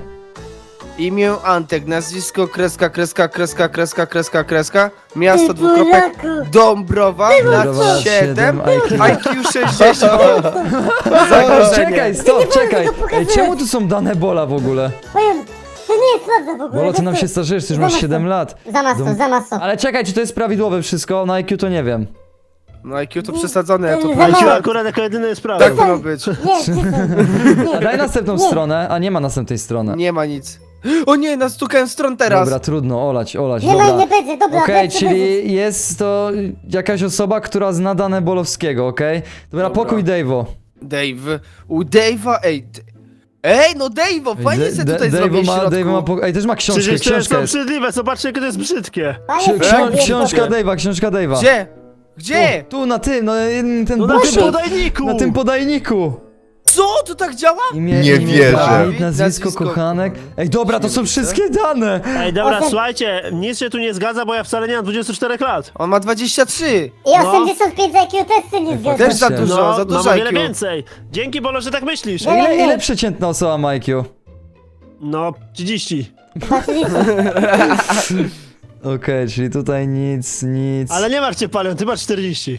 Speaker 6: Imię Antek, nazwisko, kreska, kreska, kreska, kreska, kreska, kreska. Miasto,
Speaker 3: Ty
Speaker 6: dwukropek,
Speaker 3: Polaku.
Speaker 6: Dąbrowa,
Speaker 1: Dąbrowa,
Speaker 6: lat siedem,
Speaker 1: siedem,
Speaker 6: I Q sześćdziesiąt.
Speaker 1: Czekaj,
Speaker 6: Zagrożenie.
Speaker 1: stop,
Speaker 3: Nie
Speaker 1: czekaj.
Speaker 3: wolno tego
Speaker 1: Ej,
Speaker 3: pokazywać.
Speaker 1: czemu tu są dane Bola w ogóle?
Speaker 3: Powiem, to nie jest prawda w ogóle.
Speaker 1: Bolo, ty nam
Speaker 3: to-
Speaker 1: się starzejesz, ty już masz
Speaker 3: Zamiast to.
Speaker 1: siedem lat.
Speaker 3: Zamiast to,
Speaker 1: Dom-
Speaker 3: zamiast to.
Speaker 1: Ale czekaj, czy to jest prawidłowe wszystko? Na I Q to nie wiem.
Speaker 6: No I Q to przesadzone, ja to
Speaker 3: Za
Speaker 6: powiem.
Speaker 3: mało.
Speaker 4: Siła akurat jako jedyny jest prawy.
Speaker 6: Tak ma być.
Speaker 3: Nie, czysto.
Speaker 1: A daj następną
Speaker 3: Nie.
Speaker 1: stronę, a nie ma następnej strony.
Speaker 6: Nie ma nic. O nie, nastukałem stron teraz.
Speaker 1: Dobra, trudno, olać, olać,
Speaker 3: Nie ma i
Speaker 1: dobra.
Speaker 3: nie będzie, dobra,
Speaker 1: Okej,
Speaker 3: będzie, będzie.
Speaker 1: czyli jest to jakaś osoba, która zna dane Bolowskiego, okej? Dobra,
Speaker 6: Dobra.
Speaker 1: pokój Dave'o.
Speaker 6: Dave, u Dave'a, ej. d- Ej, no Dave'o, fajnie
Speaker 1: Da-
Speaker 6: się
Speaker 1: Da-
Speaker 6: tutaj
Speaker 1: Dave'o
Speaker 6: zrobił w
Speaker 1: ma,
Speaker 6: środku.
Speaker 1: Dave'o ma pokój. Ej, też ma książkę,
Speaker 4: Przecież to jest
Speaker 1: książka jest.
Speaker 4: obrzydliwe, zobaczcie, jakie to jest brzydkie.
Speaker 3: Panie,
Speaker 1: Ksi-
Speaker 3: to
Speaker 1: ksią-
Speaker 3: jest
Speaker 1: książka
Speaker 3: dobre.
Speaker 1: Dave'a, książka Dave'a.
Speaker 6: Gdzie? Gdzie?
Speaker 1: Tu, tu, na tym, no ten
Speaker 4: No na
Speaker 1: bukiet,
Speaker 4: tym podajniku!
Speaker 1: na tym podajniku.
Speaker 6: Co? To tak działa?
Speaker 1: Imię,
Speaker 2: Nie
Speaker 1: imię,
Speaker 2: wierzę.
Speaker 1: Dawid, nazwisko,
Speaker 6: Nazwisko.
Speaker 1: kochanek. Ej, dobra, to są
Speaker 6: Śmielice.
Speaker 1: wszystkie dane.
Speaker 4: Ej, dobra,
Speaker 3: Osiem-
Speaker 4: słuchajcie, nic się tu nie zgadza, bo ja wcale nie mam dwudziestu czterech lat.
Speaker 6: On ma dwadzieścia trzy.
Speaker 3: I osiemdziesiąt pięć I Q też się nie zgadza.
Speaker 6: Też za
Speaker 1: Faktycznie.
Speaker 6: dużo,
Speaker 4: No,
Speaker 6: za
Speaker 4: mam
Speaker 6: dużo
Speaker 4: o wiele
Speaker 6: I Q.
Speaker 4: więcej. Dzięki, Bolo, że tak myślisz.
Speaker 3: Nie.
Speaker 1: Ile, ile przeciętna osoba ma I Q?
Speaker 4: No, trzydzieści.
Speaker 1: Okej, czyli tutaj nic, nic.
Speaker 4: Ale nie martw się, Palion, ty masz czterdzieści.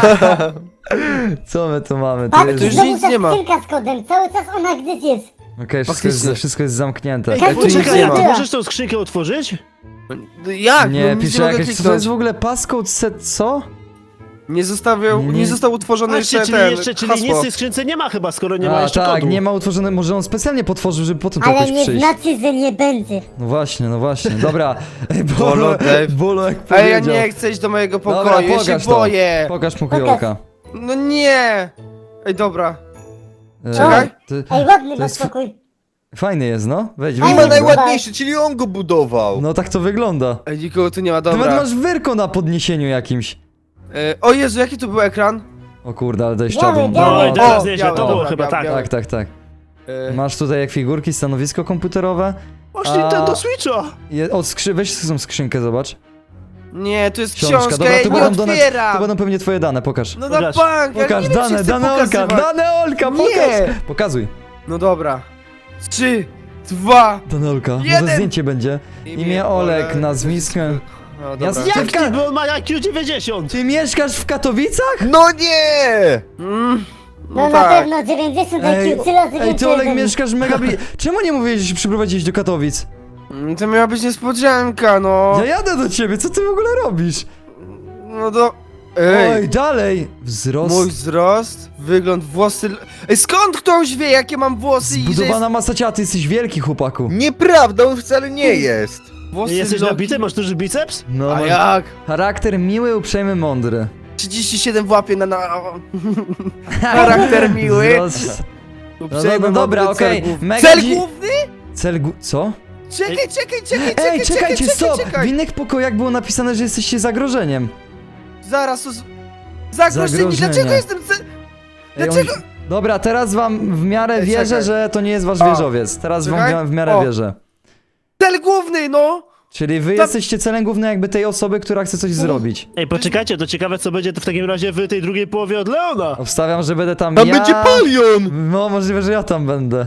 Speaker 1: Co my tu mamy? Tu
Speaker 3: Patrz,
Speaker 1: jest...
Speaker 6: już
Speaker 3: znowu
Speaker 6: nic
Speaker 3: ta
Speaker 6: nie ma.
Speaker 3: skrzynka z kodem, cały czas ona gdzieś jest.
Speaker 1: Okej, wszystko, jest,
Speaker 6: Faktycznie.
Speaker 1: wszystko jest zamknięte.
Speaker 3: Ej,
Speaker 6: Ej, tu nic
Speaker 4: Poczekaj,
Speaker 6: nie
Speaker 4: a ty
Speaker 6: ma.
Speaker 4: możesz tą skrzynkę otworzyć?
Speaker 6: Jak?
Speaker 1: Nie,
Speaker 6: no, nic
Speaker 1: pisze
Speaker 6: nie mogę
Speaker 1: jakieś, co to
Speaker 6: kliknąć.
Speaker 1: jest w ogóle passcode set, co?
Speaker 6: Nie zostawiał,
Speaker 1: Nie.
Speaker 6: nie został utworzony
Speaker 4: Patrzcie,
Speaker 6: jeszcze
Speaker 4: czyli
Speaker 6: ten
Speaker 4: jeszcze, czyli
Speaker 6: hasło.
Speaker 4: nic w tej skrzynce nie ma chyba, skoro nie ma
Speaker 1: A
Speaker 4: jeszcze
Speaker 1: tak,
Speaker 4: kodu.
Speaker 1: nie ma utworzone, może on specjalnie potworzył, żeby potem tu
Speaker 3: Ale
Speaker 1: jakoś
Speaker 3: nie
Speaker 1: przyjść.
Speaker 3: znaczy, że nie będzie.
Speaker 1: No właśnie, no właśnie, dobra. Ej,
Speaker 6: Bolo,
Speaker 1: Bolo,
Speaker 6: Dave.
Speaker 1: Bolo jak
Speaker 6: Ej,
Speaker 1: powiedział.
Speaker 6: ja nie chcę iść do mojego
Speaker 1: Dobra,
Speaker 6: pokoju, ja się
Speaker 1: pokaż to.
Speaker 6: boję.
Speaker 1: Pokaż pokojolka.
Speaker 6: No nie. Ej, dobra.
Speaker 1: E,
Speaker 6: Czekaj.
Speaker 1: to-
Speaker 3: Ej, ładny
Speaker 1: To
Speaker 3: masz
Speaker 1: jest f-
Speaker 3: pokój.
Speaker 1: Fajny jest, no. Wejdź,
Speaker 3: Ej,
Speaker 2: Nie
Speaker 1: wejdź.
Speaker 2: ma
Speaker 3: Dobra.
Speaker 2: najładniejszy, czyli on go budował.
Speaker 1: No tak to wygląda.
Speaker 6: Ej, nikogo tu nie ma,
Speaker 1: Ty nawet
Speaker 6: dobra.
Speaker 1: masz wyrko na podniesieniu jakimś.
Speaker 6: E, o Jezu, jaki tu był ekran?
Speaker 1: O kurde, ale deszczowy.
Speaker 3: Biały,
Speaker 1: No,
Speaker 3: biały.
Speaker 4: No i
Speaker 6: O,
Speaker 4: teraz nieźle,
Speaker 6: białe,
Speaker 4: to było
Speaker 6: dobra,
Speaker 4: chyba
Speaker 6: białe,
Speaker 4: tak.
Speaker 6: białe.
Speaker 1: tak, tak, tak.
Speaker 6: E,
Speaker 1: Masz tutaj jak figurki, stanowisko komputerowe.
Speaker 4: Masz
Speaker 1: A-
Speaker 4: Nintendo Switcha!
Speaker 1: Je, o, skrzy weź tą skrzynkę, zobacz.
Speaker 6: Nie, to jest
Speaker 1: Książka,
Speaker 6: książka,
Speaker 1: dobra,
Speaker 6: ja
Speaker 1: to
Speaker 6: nie
Speaker 1: będą, dane, to
Speaker 6: otwieram!
Speaker 1: będą pewnie twoje dane, pokaż.
Speaker 6: No na
Speaker 4: Pokaż.
Speaker 6: bank, ja
Speaker 1: Pokaż
Speaker 6: nie wiem, czy
Speaker 1: dane,
Speaker 6: chcę
Speaker 1: dane Olka,
Speaker 6: pokazywać.
Speaker 1: dane Olka,
Speaker 6: Nie.
Speaker 1: pokaż! Pokazuj.
Speaker 6: No dobra. Trzy, dwa,
Speaker 1: Dane Olka, może
Speaker 6: Jeden.
Speaker 1: zdjęcie będzie. Imię Olek, nazwisko.
Speaker 6: No
Speaker 1: Ja
Speaker 6: dobra.
Speaker 1: z-
Speaker 4: Jak
Speaker 1: Dziewka-
Speaker 4: ty, bo on ma I Q dziewięćdziesiąt!
Speaker 1: Ty mieszkasz w Katowicach?
Speaker 2: No nie!
Speaker 6: Mm,
Speaker 3: No,
Speaker 6: no
Speaker 3: na
Speaker 6: tak.
Speaker 3: pewno dziewięćdziesiąt
Speaker 1: Ej,
Speaker 3: I Q, trzy razy
Speaker 1: Ej,
Speaker 3: więcej
Speaker 1: ty Olek
Speaker 3: ode mnie.
Speaker 1: mieszkasz mega bli... Czemu nie mówiłeś, że się przyprowadziłeś do Katowic?
Speaker 6: Mm, To miała być niespodzianka, no.
Speaker 1: Ja jadę do ciebie, co ty w ogóle robisz?
Speaker 6: No do... Ej,
Speaker 1: Oj, dalej! Wzrost...
Speaker 6: mój wzrost, wygląd, włosy... Ej, skąd ktoś wie, jakie mam włosy i że
Speaker 1: Zbudowana masa ciała, ty jesteś wielki, chłopaku.
Speaker 2: Nieprawda, on wcale nie jest.
Speaker 6: jest włosy
Speaker 4: Jesteś
Speaker 6: Loki?
Speaker 4: nabity? Masz duży biceps?
Speaker 1: No,
Speaker 6: A
Speaker 1: masz
Speaker 6: jak?
Speaker 1: charakter miły, uprzejmy, mądry.
Speaker 6: trzydzieści siedem w łapie na... na... Charakter miły.
Speaker 1: Wzrost... No, no,
Speaker 6: Uprzejmy,
Speaker 1: no dobra,
Speaker 6: mądry,
Speaker 1: okej.
Speaker 6: cel główny.
Speaker 1: Mega
Speaker 6: Cel
Speaker 1: dzi-
Speaker 6: główny?
Speaker 1: Cel gu... Co?
Speaker 6: Czekaj, czekaj, czekaj, czekaj,
Speaker 1: Ej, czekajcie,
Speaker 6: czekaj,
Speaker 1: stop!
Speaker 6: czekaj.
Speaker 1: W innych pokojach było napisane, że jesteście zagrożeniem.
Speaker 6: Zaraz, to... z- Zagrożenie,
Speaker 1: Zagrożenie.
Speaker 6: dlaczego jestem... ce-
Speaker 1: Ej, on-
Speaker 6: Dlaczego?
Speaker 1: Dobra, teraz wam w miarę
Speaker 6: Ej,
Speaker 1: wierzę,
Speaker 6: czekaj.
Speaker 1: że to nie jest wasz
Speaker 6: O.
Speaker 1: wieżowiec. Teraz
Speaker 6: Czekaj.
Speaker 1: wam w miarę
Speaker 6: O.
Speaker 1: wierzę.
Speaker 6: Cel główny, no!
Speaker 1: Czyli wy
Speaker 6: To-
Speaker 1: jesteście celem głównym jakby tej osoby, która chce coś zrobić.
Speaker 4: Ej, poczekajcie, to ciekawe co będzie to w takim razie w tej drugiej połowie od Leona.
Speaker 1: Obstawiam, że będę tam
Speaker 2: Tam
Speaker 1: ja...
Speaker 2: będzie Palion!
Speaker 1: No, możliwe, że ja tam będę.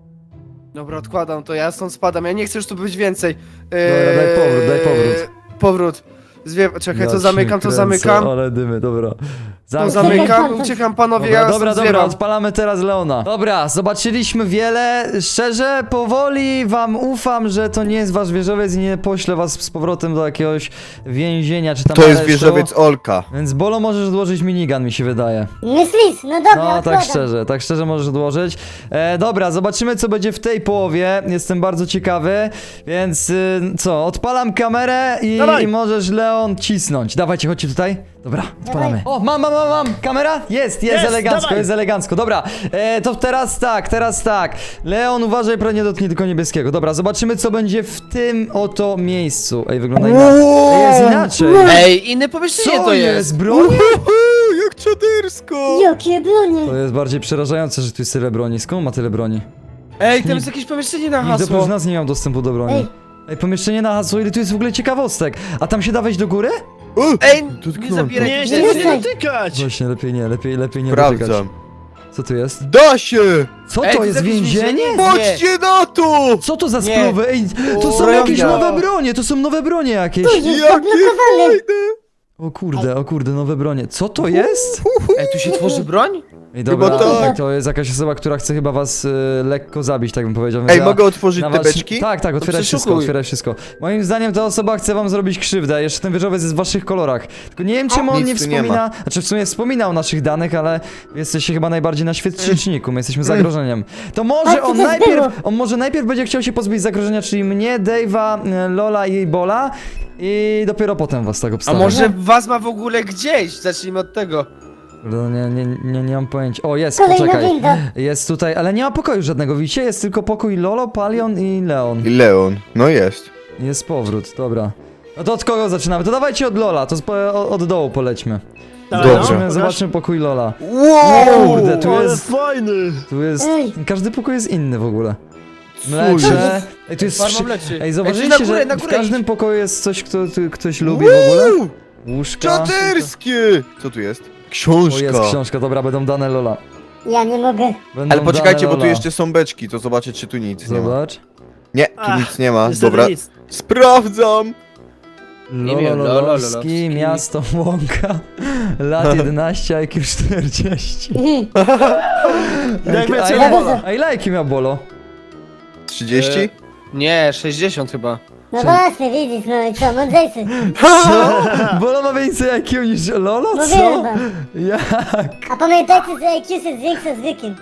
Speaker 6: Dobra, odkładam to, ja stąd spadam, ja nie chcę już tu być więcej.
Speaker 1: Dobra, daj powrót, daj powrót.
Speaker 6: Powrót. Zwie... Czekaj,
Speaker 1: Ja
Speaker 6: to
Speaker 1: cię
Speaker 6: zamykam, to
Speaker 1: kręcę,
Speaker 6: zamykam.
Speaker 1: Ale dymy, dobra.
Speaker 6: To
Speaker 1: Zamknij.
Speaker 6: zamykam, uciekam panowie,
Speaker 1: Dobra,
Speaker 6: ja
Speaker 1: dobra,
Speaker 6: stąd
Speaker 1: dobra,
Speaker 6: zwiewam.
Speaker 1: odpalamy teraz Leona. Dobra, zobaczyliśmy wiele. Szczerze, powoli wam ufam, że to nie jest wasz wieżowiec i nie poślę was z powrotem do jakiegoś więzienia czy tam
Speaker 2: To jest
Speaker 1: aresztu.
Speaker 2: wieżowiec Olka.
Speaker 1: Więc Bolo możesz odłożyć minigun, mi się wydaje.
Speaker 3: Myślisz? No dobra,
Speaker 1: No, tak
Speaker 3: odkładam.
Speaker 1: szczerze, tak szczerze możesz odłożyć. E, dobra, zobaczymy co będzie w tej połowie. Jestem bardzo ciekawy, więc y, co, odpalam kamerę i,
Speaker 4: Dawaj.
Speaker 1: i możesz Leon cisnąć. Dawajcie, chodźcie tutaj. Dobra, odpalamy. O, mam, mam, mam, mam. Kamera? Jest, jest,
Speaker 4: Jest,
Speaker 1: elegancko,
Speaker 4: dawaj.
Speaker 1: jest elegancko. Dobra, e, to teraz tak, teraz tak. Leon, uważaj, prawie nie dotknij tylko niebieskiego. Dobra, zobaczymy co będzie w tym oto miejscu. Ej, wygląda inaczej. Ej, jest inaczej.
Speaker 6: Ej, inne pomieszczenie
Speaker 1: Co
Speaker 6: to
Speaker 1: jest?
Speaker 6: jest.
Speaker 1: Broń?
Speaker 2: Uhu, jak czadersko!
Speaker 3: Jakie bronie.
Speaker 1: To jest bardziej przerażające, że tu jest tyle broni. Skąd ma tyle broni?
Speaker 6: Ej, tam jest jakieś pomieszczenie na
Speaker 1: Nikt oprócz
Speaker 6: hasło.
Speaker 1: nas nie miał dostępu do broni.
Speaker 3: Ej.
Speaker 1: Ej, pomieszczenie na hasło, ile tu jest w ogóle ciekawostek. A tam się da wejść do góry?
Speaker 2: O,
Speaker 6: Ej, nie
Speaker 2: dotknąłem.
Speaker 6: zabieraj
Speaker 4: Nie,
Speaker 6: tych
Speaker 4: nie, nie,
Speaker 6: rzeczy.
Speaker 4: nie dotykać!
Speaker 1: Właśnie, lepiej nie, lepiej, lepiej nie dotykać.
Speaker 2: Sprawdzam.
Speaker 1: Co tu jest?
Speaker 2: Da się!
Speaker 1: Co
Speaker 6: Ej,
Speaker 1: to
Speaker 6: tu
Speaker 1: jest,
Speaker 6: jakieś
Speaker 1: więzienie?
Speaker 2: Patrzcie na to!
Speaker 1: Co to za
Speaker 6: Nie.
Speaker 1: spluwy? Ej, to są
Speaker 6: O,
Speaker 1: jakieś
Speaker 6: ja.
Speaker 1: nowe bronie, to są nowe bronie jakieś.
Speaker 3: Tu jest
Speaker 2: Jakie
Speaker 3: zablokowany.
Speaker 2: fajne!
Speaker 1: O kurde, o kurde, nowe bronie. Co to jest?
Speaker 6: Ej, tu się tworzy broń?
Speaker 1: Ej, dobra,
Speaker 2: Chyba tak.
Speaker 1: to jest jakaś osoba, która chce chyba was y, lekko zabić, tak bym powiedział. więc
Speaker 2: Ej,
Speaker 1: ja-
Speaker 2: mogę otworzyć
Speaker 1: na
Speaker 2: te
Speaker 1: was-
Speaker 2: beczki?
Speaker 1: Tak, tak, otwieraj
Speaker 6: przeszukuj.
Speaker 1: wszystko, otwieraj wszystko. Moim zdaniem ta osoba chce wam zrobić krzywdę, jeszcze ten wieżowiec jest w waszych kolorach. Tylko nie wiem czemu on
Speaker 2: Nic
Speaker 1: nie
Speaker 2: tu nie
Speaker 1: wspomina, znaczy w sumie wspomina o naszych danych, ale jesteście chyba najbardziej na świeczniku, my jesteśmy zagrożeniem. To może
Speaker 3: Ale co
Speaker 1: on
Speaker 3: to
Speaker 1: najpierw,
Speaker 3: było?
Speaker 1: on może najpierw będzie chciał się pozbyć zagrożenia, czyli mnie, Dave'a, e, Lola i Bola i dopiero potem was tak
Speaker 6: A
Speaker 1: obstawię.
Speaker 6: może was ma w ogóle gdzieś? Zacznijmy od tego.
Speaker 1: No, nie, nie, nie, nie mam pojęcia. O, jest,
Speaker 3: Kolejna
Speaker 1: poczekaj.
Speaker 3: winda.
Speaker 1: Jest tutaj, ale nie ma pokoju żadnego, widzicie? Jest tylko pokój Lolo, Palion i Leon.
Speaker 2: I Leon. No jest.
Speaker 1: Jest powrót, dobra. No to od kogo zaczynamy? To dawajcie od Lola, to spo, od, od dołu polećmy.
Speaker 4: Dawaj,
Speaker 2: Dobrze.
Speaker 4: no,
Speaker 1: Zobaczymy,
Speaker 4: pokaż.
Speaker 1: zobaczmy pokój Lola.
Speaker 2: Wow!
Speaker 1: Kurde, tu
Speaker 4: Ale
Speaker 1: jest,
Speaker 4: fajny!
Speaker 1: tu jest,
Speaker 3: Ej.
Speaker 1: każdy pokój jest inny w ogóle.
Speaker 2: Co
Speaker 1: Mlecze. Ej, tu jest
Speaker 6: Farma
Speaker 1: wszy...
Speaker 6: mleczy.
Speaker 1: Ej,
Speaker 6: Ej,
Speaker 1: zauważyliście,
Speaker 6: tu na górę,
Speaker 1: że
Speaker 6: na
Speaker 1: w
Speaker 6: górę
Speaker 1: każdym
Speaker 6: idź.
Speaker 1: pokoju jest coś, kto tu, ktoś lubi w ogóle?
Speaker 2: Wow!
Speaker 1: Łóżka.
Speaker 2: Czaderskie! Co tu jest?
Speaker 1: O,
Speaker 2: Książka.
Speaker 1: jest książka, dobra, będą dane Lola.
Speaker 3: Ja nie mogę.
Speaker 1: Będą
Speaker 2: Ale poczekajcie,
Speaker 1: dane
Speaker 2: bo tu
Speaker 1: Lola.
Speaker 2: jeszcze są beczki, to zobaczę czy tu nic nie ma.
Speaker 1: Zobacz.
Speaker 2: Nie, tu
Speaker 4: Ach,
Speaker 2: nic nie ma.
Speaker 4: niestety
Speaker 2: Dobra.
Speaker 4: nic.
Speaker 2: Sprawdzam!
Speaker 6: Imię
Speaker 1: Lolo
Speaker 6: Lolo
Speaker 1: Lolowski,
Speaker 6: Lolowski.
Speaker 1: miasto Łąka, lat jedenaście, I Q czterdzieści.
Speaker 4: Jak
Speaker 1: a,
Speaker 4: więcej
Speaker 1: ile,
Speaker 4: Bola.
Speaker 1: a ile I Q miał Bolo?
Speaker 2: trzydzieści?
Speaker 6: E, Nie, sześćdziesiąt chyba.
Speaker 3: No właśnie, widzisz, no i co, mądrzejszy.
Speaker 1: Co? Bolo ma więcej I Q niż Lolo? Co?
Speaker 3: Mówiłem wam.
Speaker 1: Jak?
Speaker 3: A pamiętajcie, że I Q się zwiększa z wiekiem.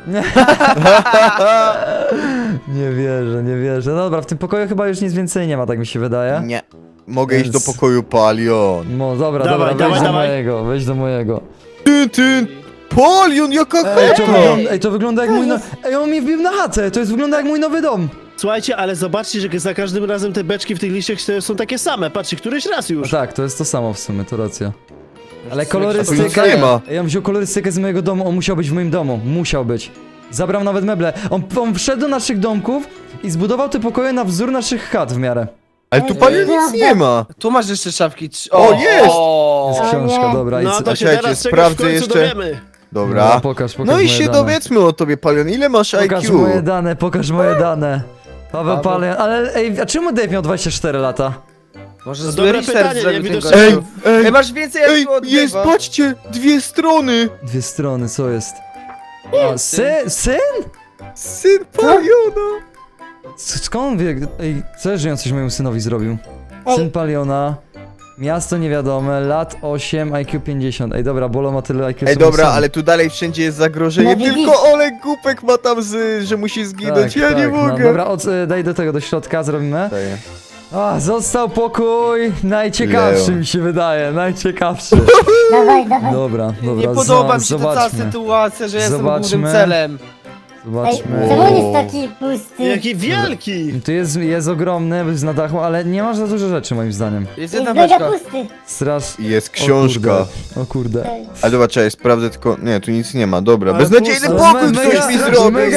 Speaker 1: Nie wierzę, nie wierzę. No dobra, w tym pokoju chyba już nic więcej nie ma, tak mi się wydaje.
Speaker 2: Nie. Mogę iść do
Speaker 1: Więc-
Speaker 2: pokoju Palion.
Speaker 1: No dobra,
Speaker 4: Dawaj,
Speaker 1: dobra,
Speaker 4: dawaj,
Speaker 1: wejdź do
Speaker 4: dawaj.
Speaker 1: mojego, wejdź do mojego.
Speaker 2: Ty, ty! Palion, jaka
Speaker 1: Ej, to
Speaker 2: chata!
Speaker 1: wygląda, ej, to wygląda jak mój no... Ej, on mi wbił na chatę, to jest wygląda jak mój nowy dom.
Speaker 4: Słuchajcie, ale zobaczcie, że za każdym razem te beczki w tych liściach są takie same. Patrzcie, któryś raz
Speaker 1: No
Speaker 4: już.
Speaker 1: tak, to jest to samo w sumie, to racja. Ale
Speaker 2: A tu
Speaker 1: kolorystyka...
Speaker 2: nic nie ma.
Speaker 1: Ej, on wziął kolorystykę z mojego domu, on musiał być w moim domu, musiał być. Zabrał nawet meble. On, on wszedł do naszych domków i zbudował te pokoje na wzór naszych chat w miarę.
Speaker 2: Ale tu palion nic nie ma.
Speaker 6: Tu masz jeszcze szafki. trz-
Speaker 2: O, jest!
Speaker 6: o.
Speaker 1: Jest
Speaker 3: O
Speaker 1: książka,
Speaker 3: nie.
Speaker 1: dobra. I
Speaker 4: No
Speaker 1: co?
Speaker 4: to się
Speaker 2: Słuchajcie,
Speaker 4: teraz czegoś w
Speaker 2: sprawdzę
Speaker 4: końcu
Speaker 2: jeszcze.
Speaker 4: dowiemy.
Speaker 1: No,
Speaker 2: Dobra.
Speaker 1: pokaż, pokaż
Speaker 2: No i
Speaker 1: moje
Speaker 2: się
Speaker 1: dane.
Speaker 2: dowiedzmy o tobie, Palion. Ile masz
Speaker 1: Pokaż
Speaker 2: I Q?
Speaker 1: moje dane, pokaż moje dane. Paweł
Speaker 6: Paweł.
Speaker 1: Palion, ale ej, a czemu Dave miał dwadzieścia cztery lata?
Speaker 6: Może
Speaker 4: No
Speaker 6: zły
Speaker 4: dobre
Speaker 6: research
Speaker 4: pytanie,
Speaker 6: zrobił
Speaker 4: nie?
Speaker 6: ten
Speaker 4: Widocznie-
Speaker 6: gościu.
Speaker 2: Ej, ej,
Speaker 6: Ej, masz więcej
Speaker 2: ej,
Speaker 6: jak od
Speaker 2: jest,
Speaker 6: Dave'a.
Speaker 2: patrzcie, dwie strony.
Speaker 1: Dwie strony, co jest? A, syn? Syn?
Speaker 2: Syn Paliona.
Speaker 1: S- Skąd on wie? Ej, co że on coś mojemu synowi zrobił?
Speaker 3: Ej.
Speaker 1: Syn Paliona, miasto niewiadome, lat osiem, I Q pięćdziesiąt. Ej, dobra, Bolo ma tyle I Q
Speaker 2: Ej,
Speaker 1: co
Speaker 2: dobra,
Speaker 1: mój syn.
Speaker 2: ale tu dalej wszędzie jest zagrożenie.
Speaker 3: No widzisz.
Speaker 2: Tylko Olek Głupek ma tam z, że musi zginąć. Ja nie
Speaker 1: no,
Speaker 2: mogę.
Speaker 1: dobra, od, e, daj do tego, do środka, zrobimy.
Speaker 2: Daję.
Speaker 1: A, został pokój, najciekawszy
Speaker 2: Leo.
Speaker 1: mi się wydaje, najciekawszy.
Speaker 3: Dawaj, dawaj.
Speaker 1: Dobra, dobra,
Speaker 6: Nie podoba
Speaker 1: za-
Speaker 6: mi się ta cała
Speaker 1: zobaczmy,
Speaker 6: sytuacja, że jestem
Speaker 1: Zobaczmy.
Speaker 6: głównym celem.
Speaker 3: Ej,
Speaker 1: zobaczmy.
Speaker 3: czemu on jest taki pusty?
Speaker 4: Jaki wielki!
Speaker 1: Tu jest, jest ogromny, jest na dachu, ale nie masz za dużo rzeczy moim zdaniem.
Speaker 6: Jest
Speaker 3: Jest
Speaker 6: jedna
Speaker 3: mega
Speaker 6: beczka.
Speaker 3: pusty.
Speaker 1: Strasz...
Speaker 2: I jest
Speaker 1: O
Speaker 2: książka.
Speaker 1: kurde, o kurde.
Speaker 3: Ej.
Speaker 2: Ale dobra, czekaj, sprawdzę tylko... Nie, tu nic nie ma, dobra.
Speaker 4: Ale
Speaker 2: Beznadziejny
Speaker 4: pusto.
Speaker 2: pokój
Speaker 1: Me-
Speaker 2: ktoś
Speaker 1: mega-
Speaker 2: mi
Speaker 1: mega-
Speaker 2: zrobił.
Speaker 1: mega-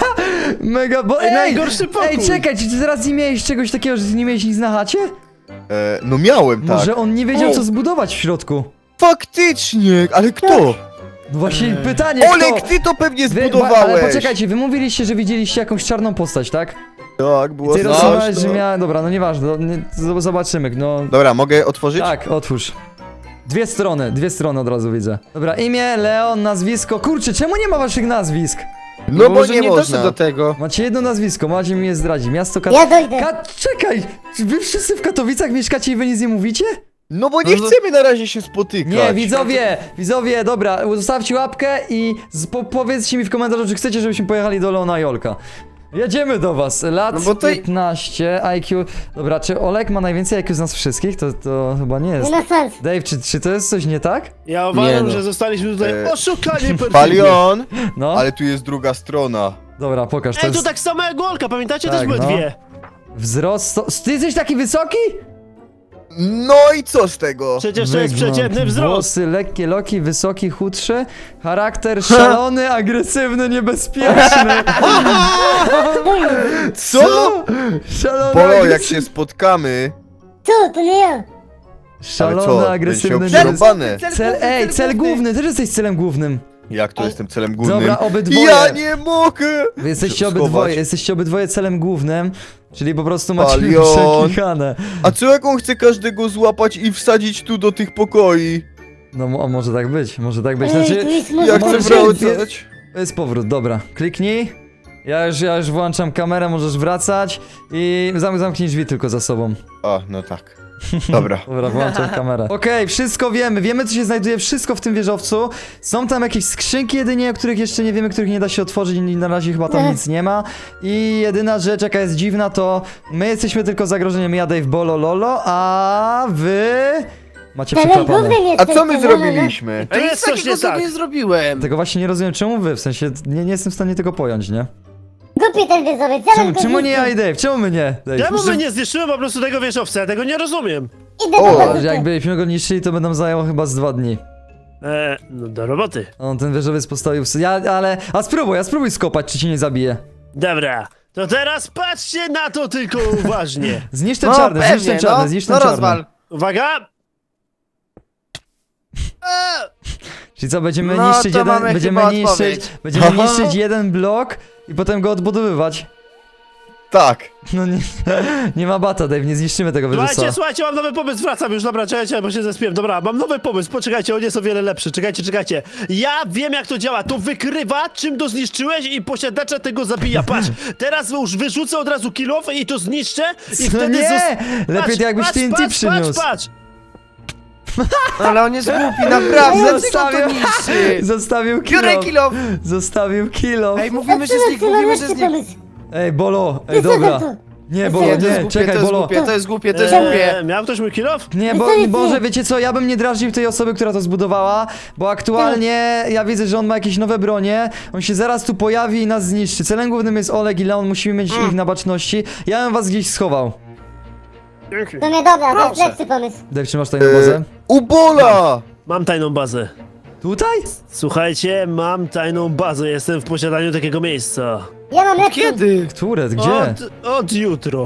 Speaker 1: Mega, bo... Ej,
Speaker 4: Najgorszy pokój.
Speaker 1: Ej, czekaj, czy ty teraz nie miałeś czegoś takiego, że ty nie miałeś nic na chacie?
Speaker 2: E, no miałem, tak.
Speaker 1: Może on nie wiedział,
Speaker 3: Ej.
Speaker 1: co zbudować w środku.
Speaker 2: Faktycznie, ale kto?
Speaker 1: No właśnie pytanie,
Speaker 2: Olek,
Speaker 1: kto?
Speaker 2: ty to pewnie
Speaker 1: Wy, ba,
Speaker 2: zbudowałeś.
Speaker 1: ale poczekajcie, wy mówiliście, że widzieliście jakąś czarną postać, tak?
Speaker 2: Tak,
Speaker 1: I
Speaker 2: było
Speaker 1: ty
Speaker 2: coś,
Speaker 1: rysowałeś,
Speaker 2: to-
Speaker 1: że miała... Dobra, no nieważne, no, nie, z- zobaczymy, no...
Speaker 2: Dobra, mogę otworzyć?
Speaker 1: Tak, otwórz. Dwie strony, dwie strony od razu widzę. Dobra, imię, Leon, nazwisko. Kurczę, czemu nie ma waszych nazwisk?
Speaker 2: No bo
Speaker 6: może
Speaker 2: nie
Speaker 6: nie
Speaker 2: można.
Speaker 6: doszedł do tego.
Speaker 1: Macie jedno nazwisko, macie mi je zdradzić. Miasto Kat...
Speaker 3: Ja dojdę.
Speaker 1: Ka... Czekaj! Czy wy wszyscy w Katowicach mieszkacie i wy nic nie mówicie?
Speaker 2: No bo nie
Speaker 6: No to-
Speaker 2: chcemy na razie się spotykać.
Speaker 1: Nie, widzowie, widzowie, dobra, zostawcie łapkę i z- po powiedzcie mi w komentarzu, czy chcecie, żebyśmy pojechali do Leona i Olka. Jedziemy do was, lat
Speaker 6: No bo to-
Speaker 1: piętnaście, I Q... Dobra, czy Olek ma najwięcej I Q z nas wszystkich? To, to chyba nie jest.
Speaker 3: Nie ma szans.
Speaker 1: Dave, czy, czy to jest coś nie tak?
Speaker 4: Ja uważam,
Speaker 6: no.
Speaker 4: że zostaliśmy tutaj
Speaker 2: E,
Speaker 4: oszukani perfidnie.
Speaker 2: Palion,
Speaker 1: No,
Speaker 2: ale tu jest druga strona.
Speaker 1: dobra, pokaż, to
Speaker 4: Ej,
Speaker 1: jest
Speaker 4: to tak samo jak Olka, pamiętacie?
Speaker 1: Tak,
Speaker 4: Też były
Speaker 1: no.
Speaker 4: dwie.
Speaker 1: wzrost... sto- Ty jesteś taki wysoki?
Speaker 2: No i co z tego?
Speaker 4: Przecież to jest
Speaker 1: Wygląd,
Speaker 4: przeciętny wzrost.
Speaker 1: Włosy lekkie, loki, wysoki, chudszy. Charakter szalony, agresywny, niebezpieczny.
Speaker 2: Co?
Speaker 1: Szalony,
Speaker 2: Polo, jak
Speaker 1: agresywny.
Speaker 2: się spotkamy...
Speaker 3: Co? To nie ja.
Speaker 2: Ale
Speaker 1: Szalony,
Speaker 2: co,
Speaker 1: agresywny,
Speaker 2: będziesz miał
Speaker 1: niebezpieczny.
Speaker 2: przerąbane.
Speaker 1: Cel, ej, cel główny, też jesteś celem głównym.
Speaker 2: Jak to jestem celem głównym?
Speaker 1: Dobra, obydwoje.
Speaker 2: Ja nie mogę!
Speaker 1: Wy jesteście
Speaker 2: Schować.
Speaker 1: obydwoje, jesteście obydwoje celem głównym, czyli po prostu macie
Speaker 2: Palion.
Speaker 1: przeklikane.
Speaker 2: A co jak on chce każdego złapać i wsadzić tu do tych pokoi?
Speaker 1: No mo- może tak być, może tak być.
Speaker 3: Ej,
Speaker 1: Znaczy,
Speaker 3: tu jest
Speaker 2: Jak
Speaker 3: muzyka.
Speaker 1: może
Speaker 2: chcę
Speaker 1: się-
Speaker 2: wracać?
Speaker 1: to jest powrót, dobra. Kliknij. Ja już, ja już włączam kamerę, możesz wracać i zam zamknij drzwi tylko za sobą.
Speaker 2: A, no tak. Dobra.
Speaker 1: Dobra, włączam kamerę. Okej, wszystko wiemy, wiemy co się znajduje, wszystko w tym wieżowcu. Są tam jakieś skrzynki jedynie, o których jeszcze nie wiemy, których nie da się otworzyć i na razie chyba tam
Speaker 3: Nie.
Speaker 1: nic nie ma. I jedyna rzecz, jaka jest dziwna, to my jesteśmy tylko zagrożeniem, ja Dave Bolo Lolo, a wy... Macie
Speaker 3: Celem
Speaker 1: przeklapane.
Speaker 3: głównym
Speaker 2: A
Speaker 3: jesteś.
Speaker 2: co my
Speaker 3: no, no, no.
Speaker 2: zrobiliśmy?
Speaker 4: To
Speaker 6: Ej,
Speaker 4: jest
Speaker 6: nic
Speaker 4: coś
Speaker 6: takiego
Speaker 4: nie
Speaker 6: sobie
Speaker 4: tak.
Speaker 6: nie zrobiłem.
Speaker 1: Tego właśnie nie rozumiem, czemu wy, w sensie nie, nie jestem w stanie tego pojąć, nie?
Speaker 3: Głupi ten wieżowiec.
Speaker 1: Czemu,
Speaker 3: Celem
Speaker 1: czemu nie ja
Speaker 3: głównym.
Speaker 1: i Dave? Czemu my nie? Dave?
Speaker 4: Czemu my nie zniszczymy po prostu tego wieżowca? Ja tego nie rozumiem.
Speaker 3: Idę
Speaker 2: O,
Speaker 3: do
Speaker 1: Że
Speaker 3: bazy.
Speaker 1: jakbyśmy go niszczyli, to będą zajęło chyba z dwa dni.
Speaker 4: E, no do roboty.
Speaker 1: On ten wieżowiec postawił... w- Ja, ale... A spróbuj, a spróbuj skopać, czy cię nie zabije.
Speaker 4: Dobra, to teraz patrzcie na to tylko uważnie.
Speaker 1: Zniszcz ten
Speaker 6: No,
Speaker 1: czarny, zniszcz ten
Speaker 6: pewnie,
Speaker 1: czarny,
Speaker 6: no.
Speaker 1: zniszcz ten
Speaker 6: No
Speaker 1: czarny.
Speaker 6: rozwal.
Speaker 4: Uwaga! E,
Speaker 1: Czyli co, będziemy
Speaker 6: No,
Speaker 1: niszczyć
Speaker 6: to
Speaker 1: jeden,
Speaker 6: mamy
Speaker 1: będziemy
Speaker 6: chyba
Speaker 1: niszczyć,
Speaker 6: odpowiedź.
Speaker 1: będziemy
Speaker 2: Aha.
Speaker 1: niszczyć jeden blok i potem go odbudowywać.
Speaker 2: Tak.
Speaker 1: No nie, nie ma bata, Dave, nie zniszczymy tego wieżowca.
Speaker 4: Słuchajcie, słuchajcie, mam nowy pomysł, wracam już, dobra, czekajcie, bo się zespiłem. Dobra, mam nowy pomysł, poczekajcie, on jest o wiele lepszy, czekajcie, czekajcie. Ja wiem jak to działa, to wykrywa, czym to zniszczyłeś i posiadacza tego zabija. Patrz, teraz już wyrzucę od razu kill off i to zniszczę i
Speaker 1: No
Speaker 4: wtedy...
Speaker 1: nie!
Speaker 4: zos-
Speaker 1: Lepiej
Speaker 4: Patrz,
Speaker 1: to jakbyś
Speaker 4: patrz,
Speaker 1: T N T
Speaker 4: patrz,
Speaker 1: przyniósł.
Speaker 4: Patrz, patrz,
Speaker 6: Ale on jest głupi, naprawdę. Dlaczego
Speaker 1: Zostawił-
Speaker 6: to niszczy?
Speaker 1: Zostawił
Speaker 6: Biorę
Speaker 1: kilo.
Speaker 6: kilo.
Speaker 1: Zostawił kilo.
Speaker 6: Ej, mówimy, że z nich,
Speaker 3: Zaczynam,
Speaker 6: mówimy, że
Speaker 3: zaczynam
Speaker 6: z nich.
Speaker 3: pomysł.
Speaker 1: Ej, Bolo, ej,
Speaker 3: Wysadzam
Speaker 1: dobra.
Speaker 3: to.
Speaker 1: Nie, Bolo,
Speaker 6: Nie, to jest
Speaker 1: nie,
Speaker 6: głupie,
Speaker 1: czekaj,
Speaker 6: to jest
Speaker 1: Bolo.
Speaker 6: głupie, to jest głupie, to jest
Speaker 4: e,
Speaker 6: głupie.
Speaker 4: miał ktoś mój kill off?
Speaker 1: Nie, bo,
Speaker 3: Wysadzam
Speaker 1: Boże,
Speaker 3: to.
Speaker 1: wiecie co, ja bym nie drażnił tej osoby, która to zbudowała, bo aktualnie ja widzę, że on ma jakieś nowe bronie, on się zaraz tu pojawi i nas zniszczy. Celem głównym jest Oleg i Leon, musimy mieć ich na baczności. Ja bym was gdzieś schował.
Speaker 3: To nie dobra, to jest
Speaker 6: Proszę.
Speaker 3: lepszy pomysł.
Speaker 1: Dave, czy masz tajną bazę?
Speaker 2: E, Ubola!
Speaker 4: Mam tajną bazę.
Speaker 1: Tutaj?
Speaker 4: Słuchajcie, mam tajną bazę, jestem w posiadaniu takiego miejsca.
Speaker 3: Ja mam lepszy.
Speaker 6: Kiedy?
Speaker 1: Które? Gdzie?
Speaker 4: Od, od jutro.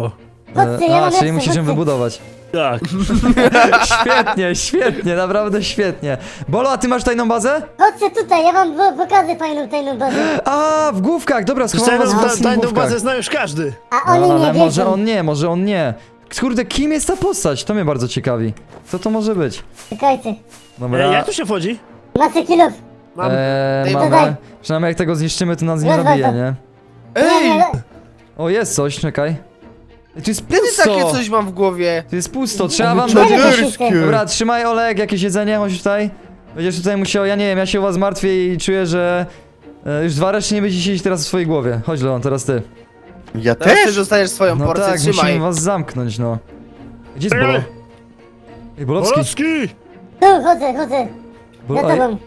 Speaker 3: Chodźcie, ja
Speaker 1: A,
Speaker 3: mam
Speaker 1: czyli
Speaker 3: lepsze,
Speaker 1: musisz ją
Speaker 3: chodźcie.
Speaker 1: wybudować.
Speaker 4: Tak.
Speaker 1: Świetnie, świetnie, naprawdę świetnie. Bolo, a ty masz tajną bazę?
Speaker 3: Chodźcie tutaj, ja wam po- pokażę fajną, tajną bazę.
Speaker 1: A, w główkach, dobra, schowam
Speaker 4: Tajną,
Speaker 1: was w
Speaker 4: ta,
Speaker 1: własnych
Speaker 4: tajną
Speaker 1: główkach.
Speaker 4: bazę zna już każdy.
Speaker 3: A oni
Speaker 1: No,
Speaker 3: nie
Speaker 1: ale
Speaker 3: wiedzą.
Speaker 1: może on nie, może on nie. Kurde, kim jest ta postać? To mnie bardzo ciekawi. Co to może być?
Speaker 3: Czekajcie.
Speaker 1: Dobra.
Speaker 4: E, jak tu się wchodzi?
Speaker 3: Macie kilof.
Speaker 4: Mam.
Speaker 1: Eee,
Speaker 6: Ej,
Speaker 1: mamy.
Speaker 3: dodaj.
Speaker 1: Przynajmniej jak tego zniszczymy, to nas nie
Speaker 3: Rozwal
Speaker 1: zabije,
Speaker 3: to.
Speaker 1: nie?
Speaker 3: Nie, nie,
Speaker 1: O, jest coś, czekaj. Ej, tu jest
Speaker 6: Kiedy
Speaker 1: pusto!
Speaker 6: takie coś mam w głowie?
Speaker 1: Tu jest pusto, trzeba wam...
Speaker 3: nie, nie,
Speaker 2: Czaderskie.
Speaker 3: nie,
Speaker 1: Dobra, trzymaj Olek, jakieś jedzenie, chodź tutaj. Będziesz tutaj musiał, ja nie wiem, ja się u was martwię i czuję, że... E, już dwa reszty nie będziecie siedzieć teraz w swojej głowie. Chodź, Leon, teraz ty.
Speaker 2: Ja
Speaker 6: Teraz ty
Speaker 2: też?
Speaker 6: dostajesz swoją
Speaker 1: No
Speaker 6: porcję,
Speaker 1: tak,
Speaker 6: trzymaj.
Speaker 1: musimy was zamknąć, no. Gdzie jest
Speaker 4: Ej!
Speaker 1: Bolo? Ej, Bolowski.
Speaker 4: Polski!
Speaker 3: Tu, chodzę, chodzę.
Speaker 1: Bolo,
Speaker 3: Za
Speaker 1: ej,
Speaker 3: tobą.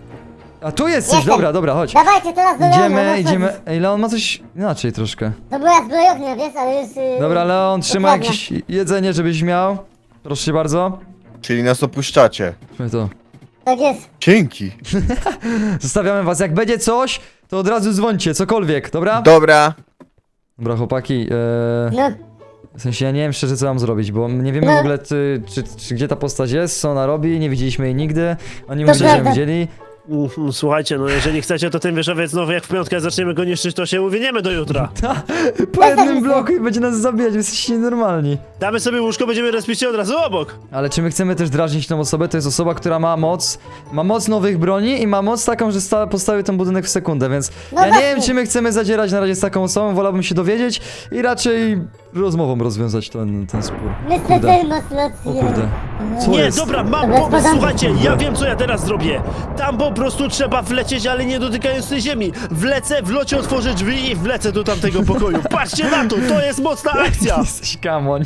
Speaker 1: a tu jest coś,
Speaker 3: Jestem.
Speaker 1: dobra, dobra, chodź.
Speaker 3: Dawajcie teraz do Leona.
Speaker 1: Idziemy,
Speaker 3: no,
Speaker 1: idziemy.
Speaker 3: chodź.
Speaker 1: Ej, Leon ma coś inaczej troszkę.
Speaker 3: To była zbrojownia, wiesz, ale już... Yy,
Speaker 1: Dobra, Leon, trzymaj
Speaker 3: dokładnie.
Speaker 1: jakieś jedzenie, żebyś miał. Proszę cię bardzo.
Speaker 2: Czyli nas opuszczacie.
Speaker 1: Trzymaj to.
Speaker 3: Tak jest.
Speaker 2: Dzięki.
Speaker 1: Zostawiamy was. Jak będzie coś, to od razu dzwońcie, cokolwiek, dobra?
Speaker 2: Dobra.
Speaker 1: Dobra, chłopaki, eee,
Speaker 3: No,
Speaker 1: w sensie ja nie wiem szczerze co mam zrobić, bo nie wiemy w ogóle czy, czy, czy gdzie ta postać jest, co ona robi, nie widzieliśmy jej nigdy. Oni
Speaker 3: To
Speaker 1: myślę, że ją
Speaker 3: prawda.
Speaker 1: widzieli.
Speaker 4: Mm, Słuchajcie, no jeżeli chcecie, to ten wieżowiec znowu jak w piątkę zaczniemy go niszczyć, to się uwiniemy do jutra.
Speaker 1: Po jednym bloku i będzie nas zabijać, wy jesteście nienormalni.
Speaker 4: Damy sobie łóżko, będziemy respić się od razu obok.
Speaker 1: Ale czy my chcemy też drażnić tą osobę? To jest osoba, która ma moc, ma moc nowych broni i ma moc taką, że sta, postawi ten budynek w sekundę, więc
Speaker 3: No
Speaker 1: ja nie
Speaker 3: właśnie.
Speaker 1: wiem, czy my chcemy zadzierać na razie z taką osobą, wolałbym się dowiedzieć i raczej rozmową rozwiązać ten, ten spór.
Speaker 3: myślę,
Speaker 1: Kurde.
Speaker 3: że masz rację.
Speaker 1: O kurde. Co
Speaker 4: Nie,
Speaker 1: jest?
Speaker 4: dobra, mam
Speaker 3: Dobra,
Speaker 4: pomysł,
Speaker 3: spadam.
Speaker 4: słuchajcie, ja wiem co ja teraz zrobię. Tam po prostu trzeba wlecieć, ale nie dotykając tej ziemi. Wlecę, w locie otworzę drzwi i wlecę do tamtego pokoju. Patrzcie na to, to jest mocna akcja.
Speaker 1: Jesteś kamoń.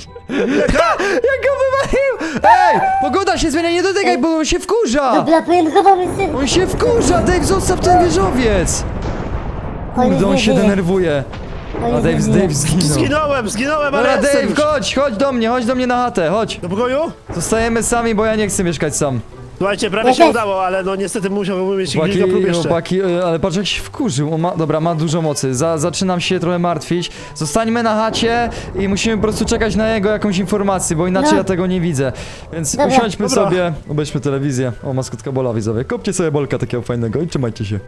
Speaker 1: Jak go wywalił! Ej! Pogoda się zmienia, nie dotykaj, bo on się wkurza!
Speaker 3: Dobra, powiem, chowamy się.
Speaker 1: On się wkurza! Dave, zostaw ten wieżowiec! Kurde, on się denerwuje. A Dave, Dave zginął.
Speaker 4: Zginąłem, zginąłem, ale
Speaker 1: Dobra,
Speaker 4: jestem
Speaker 1: Dave,
Speaker 4: już.
Speaker 1: chodź, chodź do mnie, chodź do mnie na chatę, chodź.
Speaker 4: Do pokoju?
Speaker 1: Zostajemy sami, bo ja nie chcę mieszkać sam.
Speaker 4: Słuchajcie, prawie
Speaker 3: Ja
Speaker 4: się
Speaker 3: też.
Speaker 4: udało, ale no niestety musiałbym mieć kilka
Speaker 1: Chłopaki,
Speaker 4: prób jeszcze.
Speaker 1: chłopaki, e, ale patrz jak się wkurzył, on ma, dobra, ma dużo mocy, Za, zaczynam się trochę martwić. Zostańmy na chacie i musimy po prostu czekać na jego jakąś informację, bo inaczej
Speaker 3: No.
Speaker 1: ja tego nie widzę. Więc
Speaker 3: Dobra.
Speaker 1: usiądźmy
Speaker 4: Dobra.
Speaker 1: sobie, obejrzmy telewizję. O, maskotka Bola, widzowie. Kopcie sobie Bolka takiego fajnego i trzymajcie się.